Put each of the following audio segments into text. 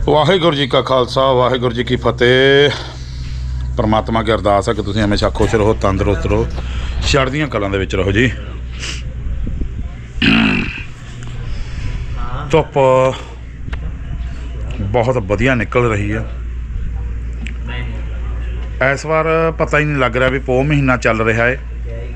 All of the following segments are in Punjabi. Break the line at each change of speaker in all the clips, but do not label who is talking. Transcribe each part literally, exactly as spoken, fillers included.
वाहिगुरू जी का खालसा वाहिगुरू जी की फतेह। परमात्मा की अरदास है कि तुसीं हमेशा खुश रहो, तंदुरुस्त रहो, चढ़दियां कलां दे विच रहो जी। धुप्प बहुत वधिया निकल रही है। इस बार पता ही नहीं लग रहा भी पो महीना चल रहा है,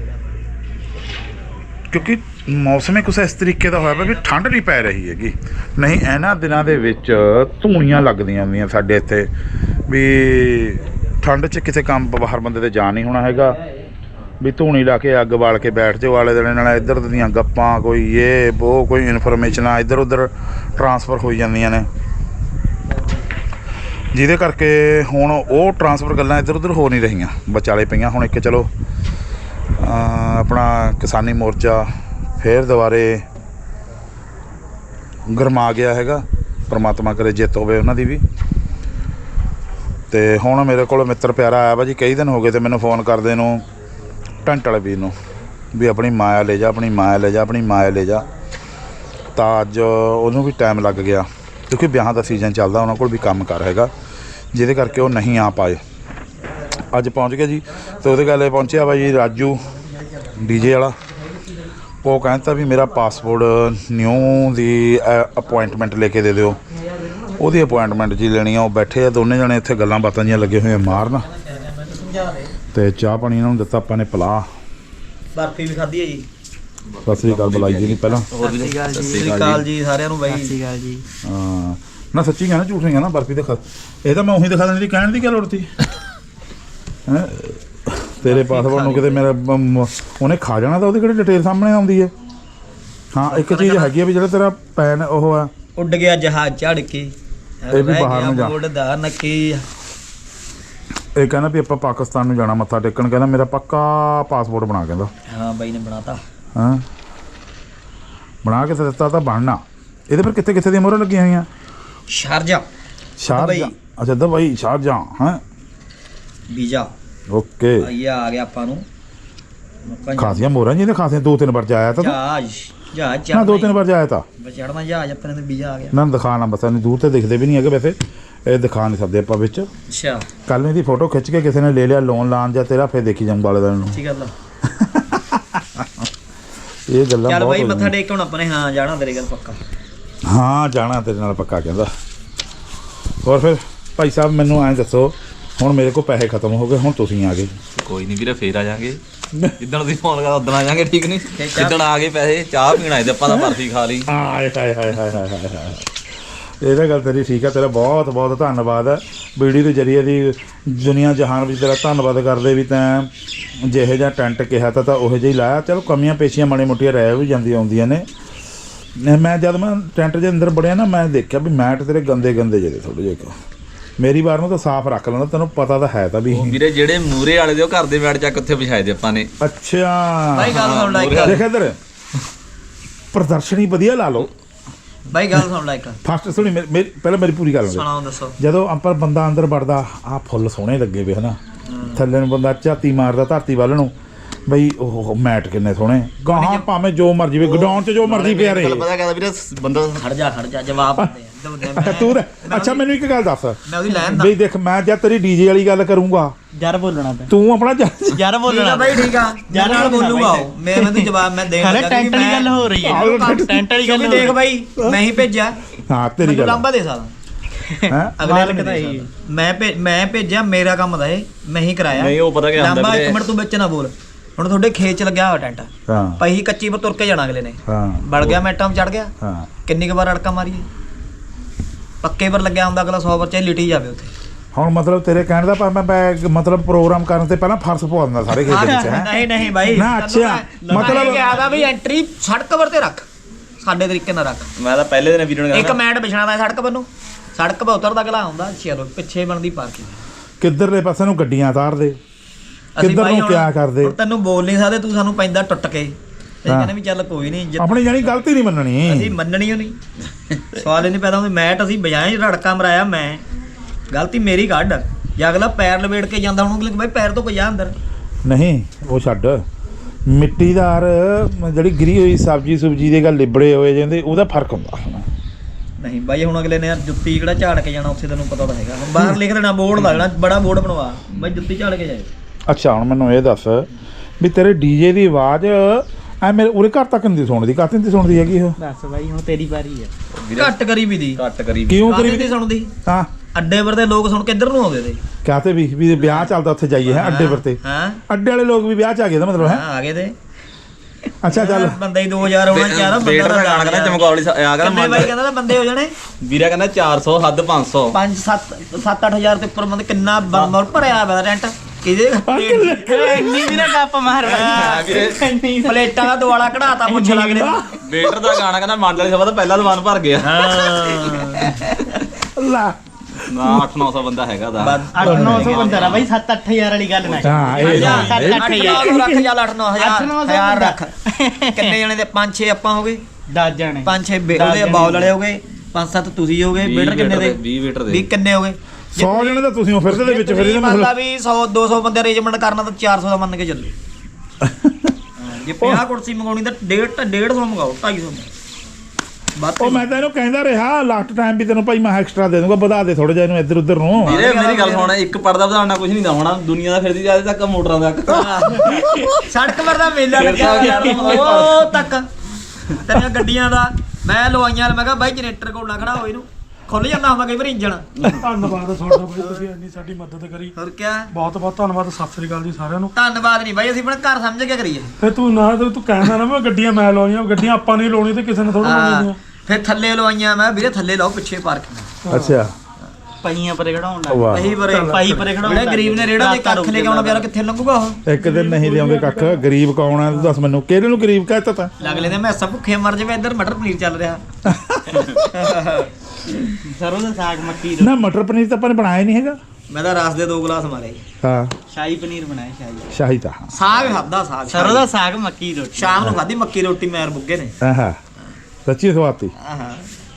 क्योंकि मौसम ही कुछ इस तरीके का होया भी ठंड नहीं पै रही हैगी। नहीं इन्हां दिनां दे विच धूणियां लगदियां हुंदियां साडे इत्थे भी ठंड च किसी काम बाहर बंदे ते जा नहीं होना हैगा भी धूणी ला के अग बाल के बैठ जाओ आले दुआले, नाल इधर दियां गप्पां कोई ये वो कोई इनफॉर्मेशनां इधर उधर ट्रांसफर हो जांदियां ने, जिहदे करके हुण वो ट्रांसफर गल्लां इधर उधर हो नहीं रहीआं, विचाले पईआं। हुण एक चलो अपना किसानी मोर्चा फिर दोबारे गरमा गया हैगा, परमात्मा करे जित होवे उन्हां दी भी। ते हुण मेरे कोल मित्र प्यारा आया वा जी, कई दिन हो गए ते मैनूं फोन करदे नूं टेंट वाले वीर नूं भी अपनी माया ले जा, अपनी माया ले जा, अपनी माया ले जा। तां अज उहनूं भी टाइम लग गया क्योंकि ब्याहां दा सीजन चलदा, उन्हां कोल भी काम कार हैगा, जिहदे करके वो नहीं आ पाए। अज पहुँच गए जी। तो उहदे गल पहुँचिया वा जी राजू डीजे वाला, वो कहता भी मेरा पासपोर्ट न्यू दी अपॉइंटमेंट लेके दे दिओ। ਉਹਦੀ अपॉइंटमेंट जी लेनी है। वो बैठे आ दोने जने इत्थे गल्लां बातां जियां लगे हुए मारन, ते चाह पानी इन्हां नूं दित्ता आपां ने पिला,
बर्फी भी खाधी है जी।
सत श्री अकाल बुलाई जी नहीं पहला,
सत श्री अकाल जी सारिਆਂ ਨੂੰ ਬਾਈ। सत श्री अकाल जी।
हाँ ना सच्ची कहना झूठ नहीं कहना, बर्फी तो खा ये तो मैं उही दिखा देनी कहण दी क्या लोड़ थी हैं? तेरे पासपोर्ट नूं किते मेरा उन्हें खा जाना, तो ਉਹਦੀ ਕਿਹੜੀ डिटेल सामने आउंदी है। हाँ एक चीज़ हैगी भी ਜਿਹੜਾ तेरा पैन ਉਹ आ
ਉੱਡ ਗਿਆ ਜਹਾਜ਼ ਚੜ ਕੇ,
ਇਹ ਵੀ ਬਾਹਰ ਨੂੰ ਜਾ
ਉੱਡਦਾ ਨੱਕੀ।
ਇਹ ਕਹਿੰਦਾ ਵੀ ਆਪਾਂ ਪਾਕਿਸਤਾਨ ਨੂੰ ਜਾਣਾ ਮੱਥਾ ਟੇਕਣ, ਕਹਿੰਦਾ ਮੇਰਾ ਪੱਕਾ ਪਾਸਪੋਰਟ ਬਣਾ, ਕਹਿੰਦਾ
ਹਾਂ ਬਾਈ ਨੇ ਬਣਾਤਾ।
ਹਾਂ ਬਣਾ ਕੇ ਦਿੱਤਾ ਤਾਂ ਬਣਨਾ। ਇਹਦੇ ਪਰ ਕਿੱਥੇ ਕਿੱਥੇ ਦੀਆਂ ਮੋਹਰਾਂ ਲੱਗੀਆਂ ਹੋਈਆਂ?
ਸ਼ਾਰਜਾ
ਸ਼ਾਰਜਾ, ਅੱਛਾ ਦੁਬਈ ਸ਼ਾਰਜਾ ਹਾਂ
ਵੀਜ਼ਾ
ਓਕੇ।
ਇਹ ਆ ਗਿਆ ਆਪਾਂ ਨੂੰ
ਖਾਸੀਆਂ ਮੋਹਰਾਂ ਜੀ, ਇਹਦੇ ਖਾਸੀਆਂ ਦੋ ਤਿੰਨ ਵਾਰ ਜਾਇਆ ਤਾਂ
ਜਹਾਜ਼ ਜਹਾਜ਼
ਨਾ ਦੋ ਤਿੰਨ ਵਾਰ ਜਾਇਆ ਤਾਂ
ਚੜਨਾ ਜਹਾਜ਼ ਆਪਣੇ ਤੇ ਵੀਜ਼ਾ ਆ ਗਿਆ
ਨਾ ਦਿਖਾਣਾ, ਬਸ ਇਹਨੂੰ ਦੂਰ ਤੇ ਦਿਖਦੇ ਵੀ ਨਹੀਂ ਹੈਗੇ, ਵੈਸੇ ਇਹ ਦਿਖਾ ਨਹੀਂ ਸਕਦੇ ਆਪਾਂ ਵਿੱਚ।
ਅੱਛਾ
ਕੱਲ ਨੂੰ ਇਹਦੀ ਫੋਟੋ ਖਿੱਚ ਕੇ ਕਿਸੇ ਨੇ ਲੈ ਲਿਆ ਲੋਨ ਲਾਣ ਜਾਂ ਤੇਰਾ, ਫਿਰ ਦੇਖੀ ਜਾਊਂ ਵਾਲੇ ਦਿਨ ਨੂੰ।
ਠੀਕ ਗੱਲ ਆ
ਇਹ ਗੱਲਾਂ
ਚੱਲ ਬਾਈ ਮੱਥਾ ਟੇਕ ਹੁਣ ਆਪਾਂ ਨੇ। ਹਾਂ ਜਾਣਾ ਤੇਰੇ ਗੱਲ ਪੱਕਾ।
ਹਾਂ ਜਾਣਾ ਤੇਰੇ ਨਾਲ ਪੱਕਾ ਕਹਿੰਦਾ। ਹੋਰ ਫਿਰ ਭਾਈ ਸਾਹਿਬ ਮੈਨੂੰ ਐਂ ਦੱਸੋ, ਹੁਣ ਮੇਰੇ ਕੋਲ ਪੈਸੇ ਖਤਮ ਹੋ ਗਏ, ਹੁਣ ਤੁਸੀਂ ਆ ਗਏ।
ਕੋਈ ਨਹੀਂ ਵੀਰੇ ਫੇਰ ਆ ਜਾਾਂਗੇ, ਜਿੱਦਣ ਤੁਸੀਂ ਫੋਨ ਕਰਦਾ ਉਦੋਂ ਆ ਜਾਾਂਗੇ। ਠੀਕ ਨਹੀਂ ਜਿੱਦਣ ਆ ਗਏ ਪੈਸੇ ਚਾਹ ਪੀਣ ਆਏ ਤੇ ਆਪਾਂ ਤਾਂ ਬਰਫੀ ਖਾ ਲਈ।
ਹਾਏ ਹਾਏ ਹਾਏ ਹਾਏ ਹਾਏ ਹਾਏ ਹਾਏ ਇਹ ਤਾਂ ਗੱਲ ਤੇਰੀ ਠੀਕ ਆ, ਤੇਰਾ ਬਹੁਤ ਬਹੁਤ ਧੰਨਵਾਦ ਹੈ। ਵੀਡੀਓ ਦੇ ਜ਼ਰੀਏ ਦੀ ਦੁਨੀਆ ਜਹਾਨ ਵਿੱਚ ਤੇਰਾ ਧੰਨਵਾਦ ਕਰਦੇ ਵੀ ਤੈਂ ਜਿਹੇ ਜਿਹਾ ਟੈਂਟ ਕਿਹਾ ਤਾਂ ਤਾਂ ਉਹੋ ਜਿਹਾ ਹੀ ਲਾਇਆ। ਚਲੋ ਕਮੀਆਂ ਪੇਸ਼ੀਆਂ ਮਾੜੀ ਮੋਟੀਆਂ ਰਹਿ ਵੀ ਜਾਂਦੀਆਂ ਆਉਂਦੀਆਂ ਨੇ। ਮੈਂ ਜਦ ਮੈਂ ਟੈਂਟ ਦੇ ਅੰਦਰ ਵੜਿਆ ਨਾ, ਮੈਂ ਦੇਖਿਆ ਵੀ ਮੈਟ ਤੇਰੇ ਗੰਦੇ ਗੰਦੇ ਜਿਹੇ ਥੋੜ੍ਹੇ ਜਿਹੇ। ਮੇਰੀ ਵਾਰ ਨੂੰ ਤਾਂ ਸਾਫ਼ ਰੱਖ ਲੈਂਦਾ, ਤੈਨੂੰ ਪਤਾ ਤਾਂ ਹੈ ਤਾਂ ਵੀ
ਵੀਰੇ ਜਿਹੜੇ ਮੂਰੇ ਵਾਲੇ ਦੇ ਉਹ ਘਰ ਦੇ ਬੈਠ ਚੱਕ ਉੱਥੇ ਵਿਛਾਏ ਦੇ ਆਪਾਂ ਨੇ।
ਅੱਛਾ
ਬਾਈ ਗੱਲ ਸੁਣ ਲੈ ਇੱਕ,
ਦੇਖ ਇੱਧਰ ਪ੍ਰਦਰਸ਼ਨੀ ਵਧੀਆ ਲਾ ਲਓ।
ਬਾਈ ਗੱਲ ਸੁਣ ਲੈ ਇੱਕ,
ਫਸਟ ਸੁਣੀ ਮੇਰੀ ਪਹਿਲਾਂ ਮੇਰੀ ਪੂਰੀ ਗੱਲ
ਸੁਣਾਓ ਦੱਸੋ।
ਜਦੋਂ ਆਪਾਂ ਬੰਦਾ ਅੰਦਰ ਵੜਦਾ, ਆਹ ਫੁੱਲ ਸੋਹਣੇ ਲੱਗੇ ਵੇ ਹਨਾ, ਥੱਲੇ ਨੂੰ ਬੰਦਾ ਝਾਤੀ ਮਾਰਦਾ ਧਰਤੀ ਵੱਲ ਨੂੰ, ਬਈ ਉਹ ਮੈਟ ਕਿੰਨੇ ਸੋਹਣੇ। ਗਾਹਾਂ ਭਾਵੇਂ ਜੋ ਮਰਜੀ ਵੇ ਗਡਾਊਨ 'ਚ ਜੋ ਮਰਜੀ ਪਿਆ ਰਹੇ।
ਪਤਾ ਕਹਿੰਦਾ ਵੀਰੇ ਬੰਦਾ
ਖੜ ਜਾ ਖੜ ਜਾ ਜਵਾਬ ਦੇ
ਤੂੰ ਅੱਛਾ ਮੈਨੂੰ ਇੱਕ ਗੱਲ ਦੱਸ
ਮੈਂ ਉਹਦੀ ਲੈਣ ਦਾ
ਬਈ ਦੇਖ, ਮੈਂ ਜਦ ਤੇਰੀ ਡੀਜੇ ਵਾਲੀ ਗੱਲ ਕਰੂੰਗਾ
ਯਾਰ ਬੋਲਣਾ ਤੇ
ਤੂੰ ਆਪਣਾ
ਯਾਰ ਬੋਲਣਾ ਬਾਈ। ਠੀਕ ਆ ਯਾਰ ਨਾਲ ਬੋਲੂਗਾ ਉਹ, ਮੈਂ ਮੈਨੂੰ ਜਵਾਬ ਮੈਂ ਦੇਣ ਲੱਗਾ। ਟੈਂਟ ਵਾਲੀ ਗੱਲ ਹੋ ਰਹੀ ਹੈ, ਟੈਂਟ ਵਾਲੀ ਗੱਲ ਦੇਖ ਬਾਈ, ਮੈਂ ਹੀ ਭੇਜਿਆ।
ਹਾਂ ਤੇਰੀ ਗੱਲ
ਲੰਬਾ ਦੇ ਸਕਦਾ
ਹੈ
ਅਗਲੇ ਨੇ ਕਹੀ ਮੈਂ ਮੈਂ ਭੇਜਿਆ, ਮੇਰਾ ਕੰਮ ਦਾ ਇਹ ਮੈਂ ਹੀ ਕਰਾਇਆ।
ਨਹੀਂ ਉਹ ਪਤਾ ਕੀ ਹੁੰਦਾ
ਲੰਬਾ ਇੱਕ ਮਿੰਟ ਤੂੰ ਵਿੱਚ ਨਾ ਬੋਲ। ਹੁਣ ਤੁਹਾਡੇ ਖੇਤ ਚ ਲੱਗਿਆ ਹੋਇਆ ਟੈਂਟ,
ਹਾਂ
ਪਈ ਕੱਚੀ ਪਰ ਤੁਰ ਕੇ ਜਾਣਾ ਅਗਲੇ ਨੇ।
ਹਾਂ
ਵੜ ਗਿਆ ਮੈਟਾਂ ਚੜ ਗਿਆ,
ਹਾਂ
ਕਿੰਨੀ ਕੁ ਵਾਰ ਅੜਕਾ ਮਾਰੀਏ। ਪੱਕੇ ਪਰ ਲੱਗਿਆ ਹੁੰਦਾ ਅਗਲਾ ਸੌ ਵਾਰ ਚਾਹੇ ਲਿਟੀ ਜਾਵੇ ਉੱਥੇ।
ਹੁਣ ਮਤਲਬ ਤੇਰੇ ਕਹਿਣ ਦਾ ਪਰ ਮੈਂ ਮਤਲਬ ਪ੍ਰੋਗਰਾਮ ਕਰਨ ਤੇ ਪਹਿਲਾਂ ਫਰਸ਼ ਪਵਾ ਦਿੰਦਾ ਸਾਰੇ ਖੇਤ ਵਿੱਚ ਹੈ।
ਨਹੀਂ ਨਹੀਂ ਬਾਈ
ਨਾ ਅੱਛਾ
ਮਤਲਬ ਕਿਹਾ ਦਾ ਵੀ ਐਂਟਰੀ ਸੜਕ ਪਰ ਤੇ ਰੱਖ, ਸਾਡੇ ਤਰੀਕੇ ਨਾਲ ਰੱਖ।
ਮੈਂ ਤਾਂ ਪਹਿਲੇ ਦਿਨ ਵੀਡੀਓ
ਇੱਕ ਮੈਟ ਵਿਛਣਾ ਦਾ ਸੜਕ ਪਰ ਨੂੰ, ਸੜਕ ਪਰ ਉਤਰਦਾ ਅਗਲਾ ਆਉਂਦਾ, ਚਲੋ ਪਿੱਛੇ ਬਣਦੀ ਪਾਰਕਿੰਗ।
ਕਿੱਧਰਲੇ ਪਾਸੇ ਨੂੰ ਗੱਡੀਆਂ ਤਾਰਦੇ, ਕਿੱਧਰ ਨੂੰ ਕਿਆ ਕਰਦੇ।
ਤੈਨੂੰ ਬੋਲ ਨਹੀਂ ਸਕਦੇ, ਤੂੰ ਸਾਨੂੰ ਪੈਂਦਾ ਟੁੱਟ ਕੇ। ਇਹ ਕਹਿੰਦੇ ਵੀ ਚੱਲ ਕੋਈ ਨਹੀਂ,
ਆਪਣੀ ਜਾਨੀ ਗਲਤੀ ਨਹੀਂ ਮੰਨਣੀ।
ਅਸੀਂ ਮੰਨਣੀ ਓ ਨਹੀਂ, ਸਵਾਲ ਹੀ ਨਹੀਂ ਪੈਦਾ ਹੁੰਦਾ। ਮੈਟ ਅਸੀਂ ਬਜਾਏ ਰੜਕਾ ਮਰਾਇਆ, ਮੈਂ ਗਲਤੀ ਮੇਰੀ ਕੱਢ। ਜਾਂ ਅਗਲਾ ਪੈਰ ਲਵੇੜ ਕੇ ਜਾਂਦਾ, ਹੁਣ ਅਗਲੇ ਬਾਈ ਪੈਰ ਤੋਂ ਕੋਈ ਆ ਅੰਦਰ
ਨਹੀਂ। ਉਹ ਛੱਡ, ਮਿੱਟੀਦਾਰ ਜਿਹੜੀ ਗਿਰੀ ਹੋਈ ਸਬਜ਼ੀ ਸੁਬਜੀ ਦੇ ਗੱਲ ਲਿਬੜੇ ਹੋਏ ਜਾਂਦੇ, ਉਹਦਾ ਫਰਕ ਹੁੰਦਾ।
ਨਹੀਂ ਬਾਈ ਹੁਣ ਅਗਲੇ ਨੇ ਯਾਰ ਜੁੱਤੀ ਕਿਹੜਾ ਝਾੜ ਕੇ ਜਾਣਾ ਉੱਥੇ ਤੈਨੂੰ ਪਤਾ ਤਾਂ ਹੈਗਾ ਹੁਣ ਬਾਹਰ ਲਿਖ ਦੇਣਾ ਬੋਰਡ ਲੱਗਣਾ ਬੜਾ ਬੋਰਡ ਬਣਵਾ ਬਾਈ ਜੁੱਤੀ ਝਾੜ ਕੇ ਜਾਏ।
ਅੱਛਾ ਹੁਣ ਮੈਨੂੰ ਇਹ ਦੱਸ ਵੀ ਤੇਰੇ ਡੀਜੇ ਦੀ ਆਵਾਜ਼ ਐ ਮੇਰੇ ਉਰੇ ਘਰ ਤੱਕ ਨਹੀਂ ਸੁਣਦੀ ਕਾਹਤੇ ਨਹੀਂ ਸੁਣਦੀ ਹੈਗੀ ਉਹ
ਬਸ ਬਾਈ ਹੁਣ ਤੇਰੀ ਵਾਰੀ ਹੈ।
ਘੱਟ ਕਰੀ ਵੀ ਦੀ
ਘੱਟ ਕਰੀ
ਕਿਉਂ ਕਰੀ
ਨਹੀਂ ਸੁਣਦੀ
ਹਾਂ
ਅੱਡੇ ਪਰ ਤੇ ਲੋਕ ਸੁਣ ਕੇ ਇੱਧਰ ਨੂੰ ਆਉਂਦੇ ਤੇ
ਕਹਤੇ ਵੀ ਵੀ ਵਿਆਹ ਚੱਲਦਾ ਉੱਥੇ ਜਾਈਏ ਹੈ ਅੱਡੇ ਪਰ ਤੇ
ਹਾਂ
ਅੱਡੇ ਵਾਲੇ ਲੋਕ ਵੀ ਵਿਆਹ ਚ ਆ ਗਏ ਦਾ ਮਤਲਬ ਹੈ
ਹਾਂ ਆ ਗਏ ਤੇ
ਅੱਛਾ ਚੱਲ
ਬੰਦਾ ਹੀ ਦੋ ਹਜ਼ਾਰ ਹੋਣਾ ਚਾਹੀਦਾ
ਵੇਟ ਦਾ ਗਾਣਾ ਕਹਿੰਦਾ ਚਮਕੌਲੀ ਆ ਗਿਆ
ਕਿੰਨੇ ਬਾਈ ਕਹਿੰਦਾ ਬੰਦੇ ਹੋ ਜਾਣੇ
ਵੀਰਾ ਕਹਿੰਦਾ ਚਾਰ ਸੌ ਹੱਦ ਪੰਜ ਸੌ
ਪੰਜ ਸੱਤ ਸੱਤ ਅੱਠ ਹਜ਼ਾਰ ਤੇ ਉੱਪਰ ਬੰਦੇ ਕਿੰਨਾ ਬੰਦਾ ਭਰਿਆ ਪਿਆ ਰੈਂਟ ਕਿਹਦੇ
ਇੰਨੀ ਵੀ ਨਾ ਗੱਪ ਮਾਰ ਬਾਈ
ਪਲੇਟਾਂ ਦਾ ਦੁਆਲਾ ਕਢਾਤਾ ਪੁੱਛ ਲੱਗਦੇ
ਵੇਟਰ ਦਾ ਗਾਣਾ ਕਹਿੰਦਾ ਮੰਡ ਵਾਲੀ ਸਭਾ ਦਾ ਪਹਿਲਾ ਦੀਵਾਨ ਭਰ ਗਿਆ
ਅੱਲਾ
ਨਾ ਅੱਠ ਨੌ ਸੌ ਬੰਦਾ ਹੈਗਾ ਦਾ
ਅੱਠ ਨੌ ਸੌ ਬੰਦਾ ਰਾ ਬਾਈ ਸੱਤ ਅੱਠ ਹਜ਼ਾਰ ਵਾਲੀ ਗੱਲ ਨਾ
ਹਾਂ ਇਹ
ਸੱਤ ਅੱਠ ਹਜ਼ਾਰ
ਰੱਖ ਚੱਲ ਅੱਠ ਨੌ ਹਜ਼ਾਰ ਹਜ਼ਾਰ ਰੱਖ ਕਿੰਨੇ ਜਣੇ ਦੇ ਪੰਜ ਛੇ ਆਪਾਂ ਹੋ ਗਏ
ਦਸ ਜਾਣੇ
ਪੰਜ ਛੇ ਬੇ- ਉਹਦੇ ਬਾਉਲ ਵਾਲੇ ਹੋ ਗਏ ਪੰਜ ਸੱਤ ਤੁਸੀਂ ਹੋ ਗਏ ਵੇਟਰ ਕਿੰਨੇ ਦੇ
ਵੀਹ ਵੇਟਰ ਦੇ
ਵੀਹ ਕਿੰਨੇ ਹੋ ਗਏ
ਸੌ ਜਣੇ ਤਾਂ ਤੁਸੀਂ ਹੋ ਫਿਰਦੇ ਦੇ ਵਿੱਚ ਫਿਰ ਇਹਦਾ
ਮਤਲਬ
ਮਤਲਬ
ਵੀ ਸੌ ਦੋ ਸੌ ਬੰਦੇ ਅਰੇਂਜਮੈਂਟ ਕਰਨਾ ਤਾਂ ਚਾਰ ਸੌ ਦਾ ਮੰਨ ਕੇ ਚੱਲੋ ਜੇ ਪੰਜਾਹ ਕੁਰਸੀ ਮੰਗਾਉਣੀ ਤਾਂ ਡੇਢ ਤਾਂ ਡੇਢ ਸੌ ਮੰਗਾਓ ਢਾਈ ਸੌ ਬਾਤ
ਉਹ ਮੈਂ ਤਾਂ ਇਹਨੂੰ ਕਹਿੰਦਾ ਰਿਹਾ ਲਾਸਟ ਟਾਈਮ ਵੀ ਤੈਨੂੰ ਭਾਈ ਮੈਂ ਐਕਸਟਰਾ ਦੇ ਦੂੰਗਾ ਵਧਾ ਦੇ ਥੋੜਾ ਜਿਹਾ ਇਹਨੂੰ ਇੱਧਰ ਉੱਧਰ ਨੂੰ
ਵੀਰੇ ਮੇਰੀ ਗੱਲ ਸੁਣ ਇੱਕ ਪਰਦਾ ਵਧਾਉਣਾ ਕੁਝ ਨਹੀਂ ਦਾ ਹੋਣਾ ਦੁਨੀਆ ਦਾ ਫਿਰਦੀ ਜਾਂਦੇ ਤੱਕ ਮੋਟਰਾਂ ਤੱਕ
ਸੜਕ ਪਰ ਦਾ ਮੇਲਾ ਲੱਗਿਆ ਯਾਰ ਉਹ ਤੱਕ ਤੇਰੀਆਂ ਗੱਡੀਆਂ ਦਾ ਮੈਂ ਲਵਾਈਆਂ ਮੈਂ ਕਿਹਾ ਬਾਈ ਜਨਰੇਟਰ ਕੋਲ ਨਾ ਖੜਾ ਹੋ ਇਹਨੂੰ ਖੁੱਲ ਜਾਂਦਾ ਹੁੰਦਾ ਕਈ ਵਾਰ ਇੰਜਣ
ਧੰਨਵਾਦ ਤੁਹਾਡਾ ਬਾਈ ਤੁਸੀਂ ਇੰਨੀ ਸਾਡੀ ਮਦਦ ਕਰੀ
ਹੋਰ ਕਿਆ
ਬਹੁਤ ਬਹੁਤ ਧੰਨਵਾਦ ਸਤਿ ਸ੍ਰੀ ਅਕਾਲ ਜੀ ਸਾਰਿਆਂ ਨੂੰ
ਧੰਨਵਾਦ ਨਹੀਂ ਬਾਈ ਅਸੀਂ ਆਪਣਾ ਘਰ ਸਮਝ ਕੇ ਕਰੀਏ
ਫੇ ਤੂੰ ਨਾ ਤੂੰ ਤੂੰ ਕਹਿੰਦਾ ਨਾ ਮੈਂ ਗੱਡੀਆਂ ਮੈਂ ਲਾਉਣੀਆਂ ਗੱਡੀਆਂ ਆਪਾਂ ਨਹੀਂ ਲਾਉਣੀ ਤੇ ਕਿਸੇ ਨੇ ਥੋੜਾ ਲਾਉਣੀਆਂ
ਫਿਰ ਥੱਲੇ ਲਵਾਈਆਂ ਮੈਂ ਵੀਰੇ ਥੱਲੇ ਲਾਓ ਪਿੱਛੇ ਪਾਰਕਿੰਗ
ਅੱਛਾ
ਪਈਆਂ ਪਰੇ ਖੜਾਉਣ ਲੱਗ
ਵਾਹ
ਪਹੀ ਪਰੇ
ਪਾਈ ਪਰੇ ਖੜਾਉਣ
ਜਿਹੜੇ ਗਰੀਬ ਨੇ ਰੇੜਾ ਦੇ ਕੱਖ ਲੈ ਕੇ ਆਉਣਾ ਪਿਆਰਾ ਕਿੱਥੇ ਲੰਘੂਗਾ ਉਹ
ਇੱਕ ਦਿਨ ਨਹੀਂ ਲਿਆਉਂਦੇ ਕੱਖ ਗਰੀਬ ਕੌਣ ਹੈ ਤੂੰ ਦੱਸ ਮੈਨੂੰ ਕਿਹੜੇ ਨੂੰ ਗਰੀਬ ਕਹਿਤਾ ਤਾ
ਅਗਲੇ ਨੇ ਮੈਂ ਸਭ ਭੁੱਖੇ ਮਰ ਜਾਵੇ ਇੱਧਰ ਮਟਰ ਪਨੀਰ ਚੱਲ ਰਿਹਾ
ਸਰੋਂ ਦਾ ਸਾਗ ਮੱਕੀ
ਨਾ ਮਟਰ ਪਨੀਰ ਤਾਂ ਆਪਾਂ ਨੇ ਬਣਾਇਆ ਨਹੀਂ ਹੈਗਾ
ਮੈਂ ਤਾਂ ਰਸ ਦੇ ਦੋ ਗਲਾਸ ਮਾਰੇ
ਹਾਂ
ਸ਼ਾਹੀ ਪਨੀਰ ਬਣਾਇਆ ਸ਼ਾਹੀ
ਸ਼ਾਹੀ ਤਾਂ
ਸਾਗ ਖਾਦਾ ਸਾਗ
ਸਰੋਂ ਦਾ ਸਾਗ ਮੱਕੀ ਦੀ ਰੋਟੀ
ਸ਼ਾਮ ਨੂੰ ਖਾਦੀ ਮੱਕੀ ਰੋਟੀ ਮੈਰ ਬੁੱਗੇ ਨੇ
ਆਹਾ ਸੱਚੀ ਸਵਾਤੀ
ਆਹਾ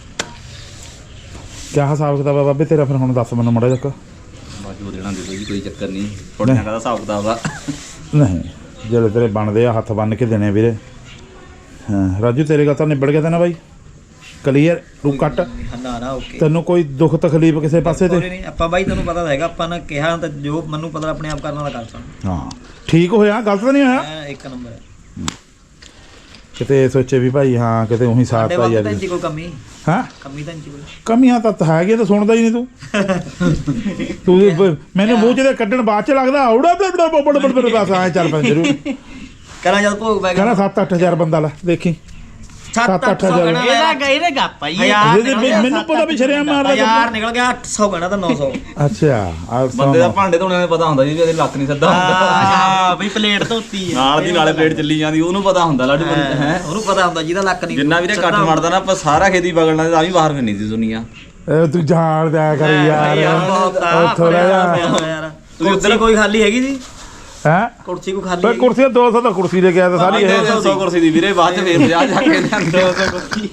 ਕਿਆ ਹਿਸਾਬ ਕਿਤਾਬ ਆ ਬਾਬੇ ਤੇਰਾ ਫਿਰ ਹੁਣ ਦੱਸ ਮੈਨੂੰ ਮੜਾ ਜੱਕ
ਬਾਜੂ ਦੇਣਾ ਦੇ ਦੋ ਜੀ ਕੋਈ ਚੱਕਰ ਨਹੀਂ ਥੋੜਾ ਜਿਹਾ ਹਿਸਾਬ ਕਿਤਾਬ ਦਾ
ਨਹੀਂ ਜਿਹੜੇ ਤੇਰੇ ਬਣਦੇ ਆ ਹੱਥ ਬੰਨ ਕੇ ਦੇਣੇ ਵੀਰੇ ਹਾਂ ਰਾਜੂ ਤੇਰੇ ਗੱਲ ਤਾਂ ਨਿਬੜ ਗਿਆ ਤਾਂ ਨਾ ਬਾਈ ਕਲੀਅਰ ਤੂੰ ਕੱਟ
ਨਾ ਨਾ ਓਕੇ
ਤੈਨੂੰ ਕੋਈ ਦੁੱਖ ਤਕਲੀਫ ਕਿਸੇ ਪਾਸੇ ਤੇ
ਨਹੀਂ ਆਪਾਂ ਬਾਈ ਤੈਨੂੰ ਪਤਾ ਤਾਂ ਹੈਗਾ ਆਪਾਂ ਨੇ ਕਿਹਾ ਤਾਂ ਜੋ ਮੈਨੂੰ ਪਤਾ ਆਪਣੇ ਆਪ ਕਰਨ ਵਾਲਾ ਕਰ ਸਕਦਾ
ਹਾਂ ਠੀਕ ਹੋਇਆ ਗਲਤ ਤਾਂ ਨਹੀਂ ਹੋਇਆ
ਮੈਂ ਇੱਕ ਨੰਬਰ
ਕਿਤੇ ਸੋਚੇ ਵੀ ਭਾਈ ਹਾਂ ਕਿਤੇ ਉਹੀ ਸਾਥ
ਸਾਡੇ
ਆ
ਵਕਤ
ਯਾਰ
ਤਾਂ ਇੰਨੀ ਕੋਈ ਕਮੀ
ਹਾਂ
ਕਮੀ ਤਾਂ ਇੰਨੀ ਕੋਈ
ਕਮੀਆਂ ਤਾਂ ਹੈਗੀਆਂ ਤਾਂ ਸੁਣਦਾ ਹੀ ਨਹੀਂ ਤੂੰ ਤੂੰ ਬ- ਮੈਨੂੰ ਮੂੰਹ ਚ ਦੇ ਕੱਢਣ ਬਾਅਦ ਚ ਲੱਗਦਾ ਔੜਾ ਬੜ ਬੜ ਬੜ ਬੜ ਬਸ ਐ ਚੱਲ ਪੈਂ ਜਰੂਰ
ਕਰਾਂ ਜਦ ਭੋਗ ਪੈ ਗਿਆ
ਕਹਿੰਦਾ ਸੱਤ ਅੱਠ ਹਜ਼ਾਰ ਬੰਦਾ ਲੈ ਦੇਖੀ
ਸੱਤ
ਸੱਤ
ਅੱਠ
ਅੱਠ
ਸੌ
ਹਜ਼ਾਰ।
ਗਣਾ
ਇਹਦਾ ਗਏ ਨੇ ਗੱਪ ਆਈ
ਹਜ਼ਾਰ
ਇਹਦੇ ਵਿੱਚ ਮੈਨੂੰ ਪਤਾ ਵੀ ਸ਼ਰਿਆਮ ਮਾਰਦਾ
ਹਜ਼ਾਰ ਨਿਕਲ ਗਿਆ ਅੱਠ ਸੌ ਗਣਾ ਤਾਂ ਨੌ ਸੌ
ਅੱਛਾ ਆ
ਬੰਦੇ ਦਾ ਭਾਂਡੇ ਧੋਣੇ ਦਾ ਪਤਾ ਹੁੰਦਾ ਜੀ ਵੀ ਇਹਦੇ ਲੱਕ ਨਹੀਂ ਸੱਦਾ ਹੁੰਦਾ
ਹਾਂ ਬਈ ਪਲੇਟ ਧੋਤੀ ਹੈ
ਨਾਲ ਦੀ ਨਾਲੇ ਪਲੇਟ ਚੱਲੀ ਜਾਂਦੀ ਉਹਨੂੰ ਪਤਾ ਹੁੰਦਾ ਲਾਡੂ ਹੈ
ਉਹਨੂੰ ਪਤਾ ਹੁੰਦਾ ਜਿਹਦਾ ਲੱਕ ਨਹੀਂ
ਜਿੰਨਾ ਵੀਰੇ ਕੱਟ ਮੜਦਾ ਨਾ ਆਪਾਂ ਸਾਰਾ ਖੇਤੀ ਬਗਲਣਾ ਤਾਂ ਵੀ ਬਾਹਰ ਫਿਰਨੀ ਸੀ ਦੁਨੀਆ
ਇਹ ਤੂੰ ਜਾਣ ਦਿਆ ਕਰ ਯਾਰ ਉੱਥੋਂ ਲੈ ਜਾ
ਯਾਰ ਤੁਸੀਂ ਉੱਧਰ ਕੋਈ ਖਾਲੀ ਹੈਗੀ ਸੀ
ਹੈ
ਕੁਰਸੀ ਕੋ ਖਾਲੀ
ਬਈ ਕੁਰਸੀ ਦੋ ਸੌ ਤਾਂ ਕੁਰਸੀ ਲੈ ਕੇ ਆਇਆ ਤਾਂ ਸਾਰੀ ਇਹ
ਦੋ ਸੌ ਕੁਰਸੀ ਦੀ ਵੀਰੇ ਬਾਅਦ ਚ ਫੇਰ ਪੰਜਾਹ ਜਾ ਕੇ ਲਿਆਂਦੇ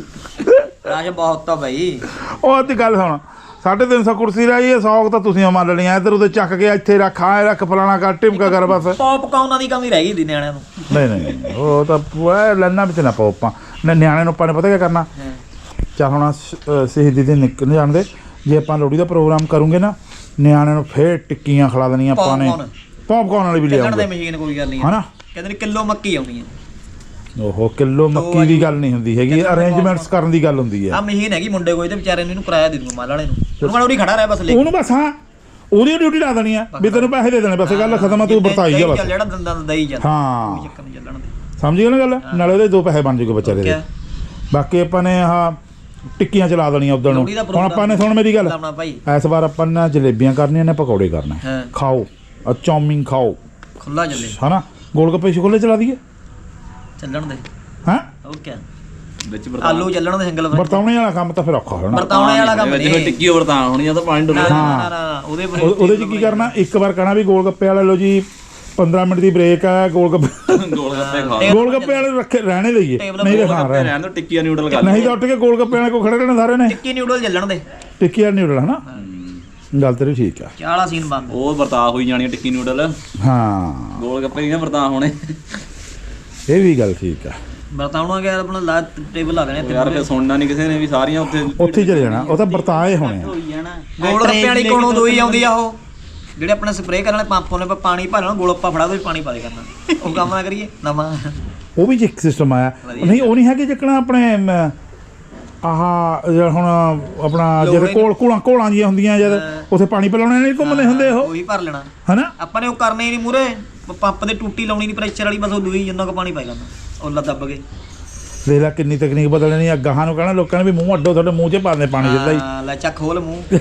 ਰਾਜ ਬਹੁਤ ਤਾਂ ਭਾਈ
ਉਹ ਅੱਧੀ ਗੱਲ ਸੁਣ ਸਾਢੇ ਤਿੰਨ ਸੌ ਕੁਰਸੀ ਰਹੀ ਹੈ ਸੌ ਤਾਂ ਤੁਸੀਂ ਮੰਨ ਲੈਣੀਆਂ ਇੱਧਰ ਉਧਰ ਚੱਕ ਕੇ ਇੱਥੇ ਰੱਖ ਆਏ ਰੱਖ ਫਲਾਣਾ ਕਰ ਟਿਮਕਾ ਕਰ ਬਸ
ਪੌਪਕਾਰਨਾਂ ਦੀ ਕਮੀ ਰਹਿ ਗਈ ਦੀ ਨਿਆਣਿਆਂ ਨੂੰ
ਨਹੀਂ ਨਹੀਂ ਨਹੀਂ, ਉਹ ਤਾਂ ਪੂਰਾ ਲੈਣਾ ਵਿੱਚ ਨਾ ਪਾਓ ਆਪਾਂ ਨਾ ਨਿਆਣੇ ਨੂੰ ਆਪਾਂ ਨੇ ਪਤਾ ਕੀ ਕਰਨਾ ਚਾ ਹੁਣ ਸ਼- ਸ਼ਹੀਦੀ ਦੇ ਨਿਕਲ ਜਾਣਦੇ ਜੇ ਆਪਾਂ ਲੋਹੜੀ ਦਾ ਪ੍ਰੋਗਰਾਮ ਕਰੂੰਗੇ ਨਾ ਨਿਆਣਿਆਂ ਨੂੰ ਫੇਰ ਟਿੱਕੀਆਂ ਖਿਲਾ ਦੇਣੀਆਂ ਆਪਾਂ ਨੇ
ਪੌਪਕਾਰਨ।
ਪੌਪਕਾਰਨ ਵਾਲੀ ਵੀ
ਚੱਲਣ ਦੇ
ਲਿਆਉਂਗੇ
ਮਸ਼ੀਨ ਕੋਈ ਗੱਲ ਨਹੀਂ
ਹਨਾ
ਕਹਿੰਦੇ ਨੇ ਕਿਲੋ ਮੱਕੀ ਆਉਣੀ ਹੈ
ਓਹੋ ਕਿਲੋ ਮੱਕੀ ਦੀ ਗੱਲ ਨਹੀਂ ਹੁੰਦੀ ਹੈਗੀ ਅਰੇਂਜਮੈਂਟਸ ਕਰਨ ਦੀ ਗੱਲ ਹੁੰਦੀ
ਆ
ਹੈ
ਮਸ਼ੀਨ ਹੈਗੀ ਮੁੰਡੇ ਕੋਈ ਤੇ ਵਿਚਾਰੇ ਨੂੰ ਇਹਨੂੰ ਕਿਰਾਇਆ ਦੇ ਦੂੰਗਾ ਮਾਲ ਵਾਲੇ ਨੂੰ ਉਹਨੂੰ ਕਹਿੰਦਾ ਉਰੀ ਖੜਾ ਰਹਿ ਬਸ ਲੈ
ਉਹਨੂੰ ਬਸ ਹਾਂ ਉਹਦੀ ਡਿਊਟੀ ਲਾ ਦੇਣੀ ਆ ਵੀ ਤੈਨੂੰ ਪੈਸੇ ਦੇ ਦੇਣੇ ਬਸ ਗੱਲ ਖਤਮ ਆ ਤੂੰ ਵਰਤਾਈ ਜਾ ਬਸ
ਜਿਹੜਾ ਦੰਦਾਂ ਦਾ ਦਈ ਚੱਲ
ਹਾਂ
ਕੋਈ ਚੱਕਰ ਨਹੀਂ ਚੱਲਣ ਦੇ
ਸਮਝ ਗਿਆ ਨਾ ਗੱਲ ਨਾਲੇ ਉਹਦੇ ਦੋ ਪੈਸੇ ਬਣ ਜੂਗੇ ਵਿਚਾਰੇ ਦੇ
ਕਿਆ?
ਬਾਕੀ ਆਪਾਂ ਨੇ ਆਹ ਟਿੱਕੀਆਂ ਚਲਾ ਦੇਣੀਆਂ ਉਦੋਂ ਨੂੰ
ਲੋਹੜੀ ਦਾ
ਹੁਣ ਆਪਾਂ ਨੇ ਸੁਣ ਮੇਰੀ ਗੱਲ
ਲਾਉਣਾ ਭਾਈ
ਇਸ ਵਾਰ ਆਪਾਂ ਨੇ ਜਲੇਬੀਆਂ ਕਰਨੀਆਂ ਨੇ ਪਕੌੜੇ ਕਰਨੇ
ਹਾਂ
ਖਾਓ ਆ ਚੌਮਿੰਗ ਖਾਓ
ਖੁੱਲਾ ਚੱਲੇ
ਹਨਾ ਗੋਲ ਗੱਪੇ ਛੋਲੇ ਚਲਾ ਦਈਏ
ਚੱਲਣ ਦੇ
ਹਾਂ
ਉਹ ਕਿਆ
ਵਿੱਚ
ਆਲੂ ਚੱਲਣ ਦੇ ਸਿੰਗਲ
ਵਰਤਾਉਣੇ ਵਾਲਾ ਕੰਮ ਤਾਂ ਫਿਰ ਔਖਾ ਹੋਣਾ
ਵਰਤਾਉਣੇ ਵਾਲਾ ਕੰਮ
ਜਿਵੇਂ
ਨਹੀਂ
ਟਿੱਕੀ ਵਰਤਾਂ ਹੋਣੀ ਆ ਤਾਂ ਪਾਣੀ ਡੋਲਣਾ
ਨਾ ਨਾ ਉਹਦੇ ਪਰ
ਉਹ- ਉਹਦੇ 'ਚ ਕੀ ਕਰਨਾ ਇੱਕ ਵਾਰ ਕਹਿਣਾ ਵੀ ਗੋਲ ਗੱਪੇ ਵਾਲੇ ਲੋ ਜੀ ਪੰਦਰਾਂ ਮਿੰਟ ਦੀ ਬ੍ਰੇਕ ਆ ਗੋਲ ਗੱਪੇ
ਗੋਲ ਗੱਪੇ ਖਾ
ਗੋਲ ਗੱਪੇ ਵਾਲੇ ਰੱਖੇ ਰਹਿਣੇ ਲਈਏ ਨਹੀਂ ਤਾਂ ਹਾਂ ਰਹਿਣ
ਰਹਿਣ ਤੋਂ ਟਿੱਕੀਆਂ ਨਿਊਡਲ ਕਰ
ਨਹੀਂ ਤਾਂ ਉੱਠ ਕੇ ਗੋਲ ਗੱਪੇ ਵਾਲੇ ਕੋ ਖੜੇ ਰਹਿਣਾ ਸਾਰੇ ਨੇ
ਟਿੱਕੀ ਨਿਊਡਲ ਚੱਲਣ ਦੇ
ਟਿੱਕੀ ਵਾਲੀ ਨਿਊਡਲ ਹਨਾ ਗੱਲ ਤੇਰੀ ਠੀਕ ਆ
ਚਾਲਾ ਸੀਨ ਬੰਦ
ਉਹ ਵਰਤਾ ਹੋਈ ਜਾਣੀ ਆ ਟਿੱਕੀ ਨਿਊਡਲ
ਹਾਂ
ਗੋਲ ਗੱਪੇ ਨਹੀਂ ਨਾ ਵਰਤਾ ਹੋਣੇ
ਇਹ ਵੀ ਗੱਲ ਠੀਕ ਆ
ਬਰਤਾਉਣਾ ਗਿਆ ਆਪਣਾ ਲਾ ਟੇਬਲ ਲਾ ਦੇਣੇ
ਯਾਰ ਫਿਰ ਸੁਣਨਾ ਨਹੀਂ ਕਿਸੇ ਨੇ ਵੀ ਸਾਰੀਆਂ ਉੱਥੇ
ਉੱਥੇ ਹੀ ਚਲੇ ਜਾਣਾ ਉਹ ਤਾਂ ਵਰਤਾਏ ਹੋਣੇ ਆ
ਹੋਈ ਜਾਣਾ
ਗੋਲ ਗੱਪੇ ਵਾਲੀ ਕੋਲੋਂ ਦੋਈ ਆਉਂਦੀ ਆ ਉਹ ਜਿਹੜੇ ਆਪਣੇ ਸਪਰੇਅ ਕਰਨ ਵਾਲੇ ਪੰਪ ਉਹਨੇ ਪਾਣੀ ਭਰ ਲੈਣਾ ਗੋਲੱਪਾ ਫੜਾ ਦੋ ਪਾਣੀ ਪਾ ਦੇ ਕਰਨਾ ਉਹ ਕੰਮ ਨਾ ਕਰੀਏ ਨਵਾਂ
ਉਹ ਵੀ ਇੱਕ ਸਿਸਟਮ ਆਇਆ ਨਹੀਂ ਉਹ ਨਹੀਂ ਹੈਗੇ ਜਿੱਕਣਾ ਆਪਣੇ ਅਮ, ਆਹ ਜਿਹੜਾ ਹੁਣ ਆਪਣਾ ਜਿਹੜੇ ਕੋਲ ਕੋਲਾਂ ਕੋਲਾਂ ਜੀਆਂ ਹੁੰਦੀਆਂ ਜਦ ਉੱਥੇ ਪਾਣੀ ਪਿਲਾਉਣੇ ਨਹੀਂ ਘੁੰਮਦੇ ਹੁੰਦੇ ਉਹ
ਉਹੀ ਭਰ ਲੈਣਾ
ਹਨਾ
ਆਪਾਂ ਨੇ ਉਹ ਕਰਨਾ ਹੀ ਨਹੀਂ ਮੂਰੇ ਪੰਪ ਦੇ ਟੂਟੀ ਲਾਉਣੀ ਨਹੀਂ ਪ੍ਰੈਸ਼ਰ ਵਾਲੀ ਬਸ ਉਹ ਦੂਈ ਜਿੰਨਾ ਕੁ ਪਾਣੀ ਪਾਈ ਕਰਨਾ ਉਹ ਦੱਬ ਕੇ
ਦੇਖ ਲੈ ਕਿੰਨੀ ਤਕਨੀਕ ਬਦਲਣੀ ਆ ਗਾਹਾਂ ਨੂੰ ਕਹਿਣਾ ਲੋਕਾਂ ਨੇ ਵੀ ਮੂੰਹ ਅੱਡੋ ਤੁਹਾਡੇ ਮੂੰਹ 'ਚ ਪਾਉਂਦੇ ਪਾਣੀ ਜਿੱਦਾਂ ਹੀ
ਹਾਂ, ਲੈ ਚੱਕ ਖੋਲ ਮੂੰਹ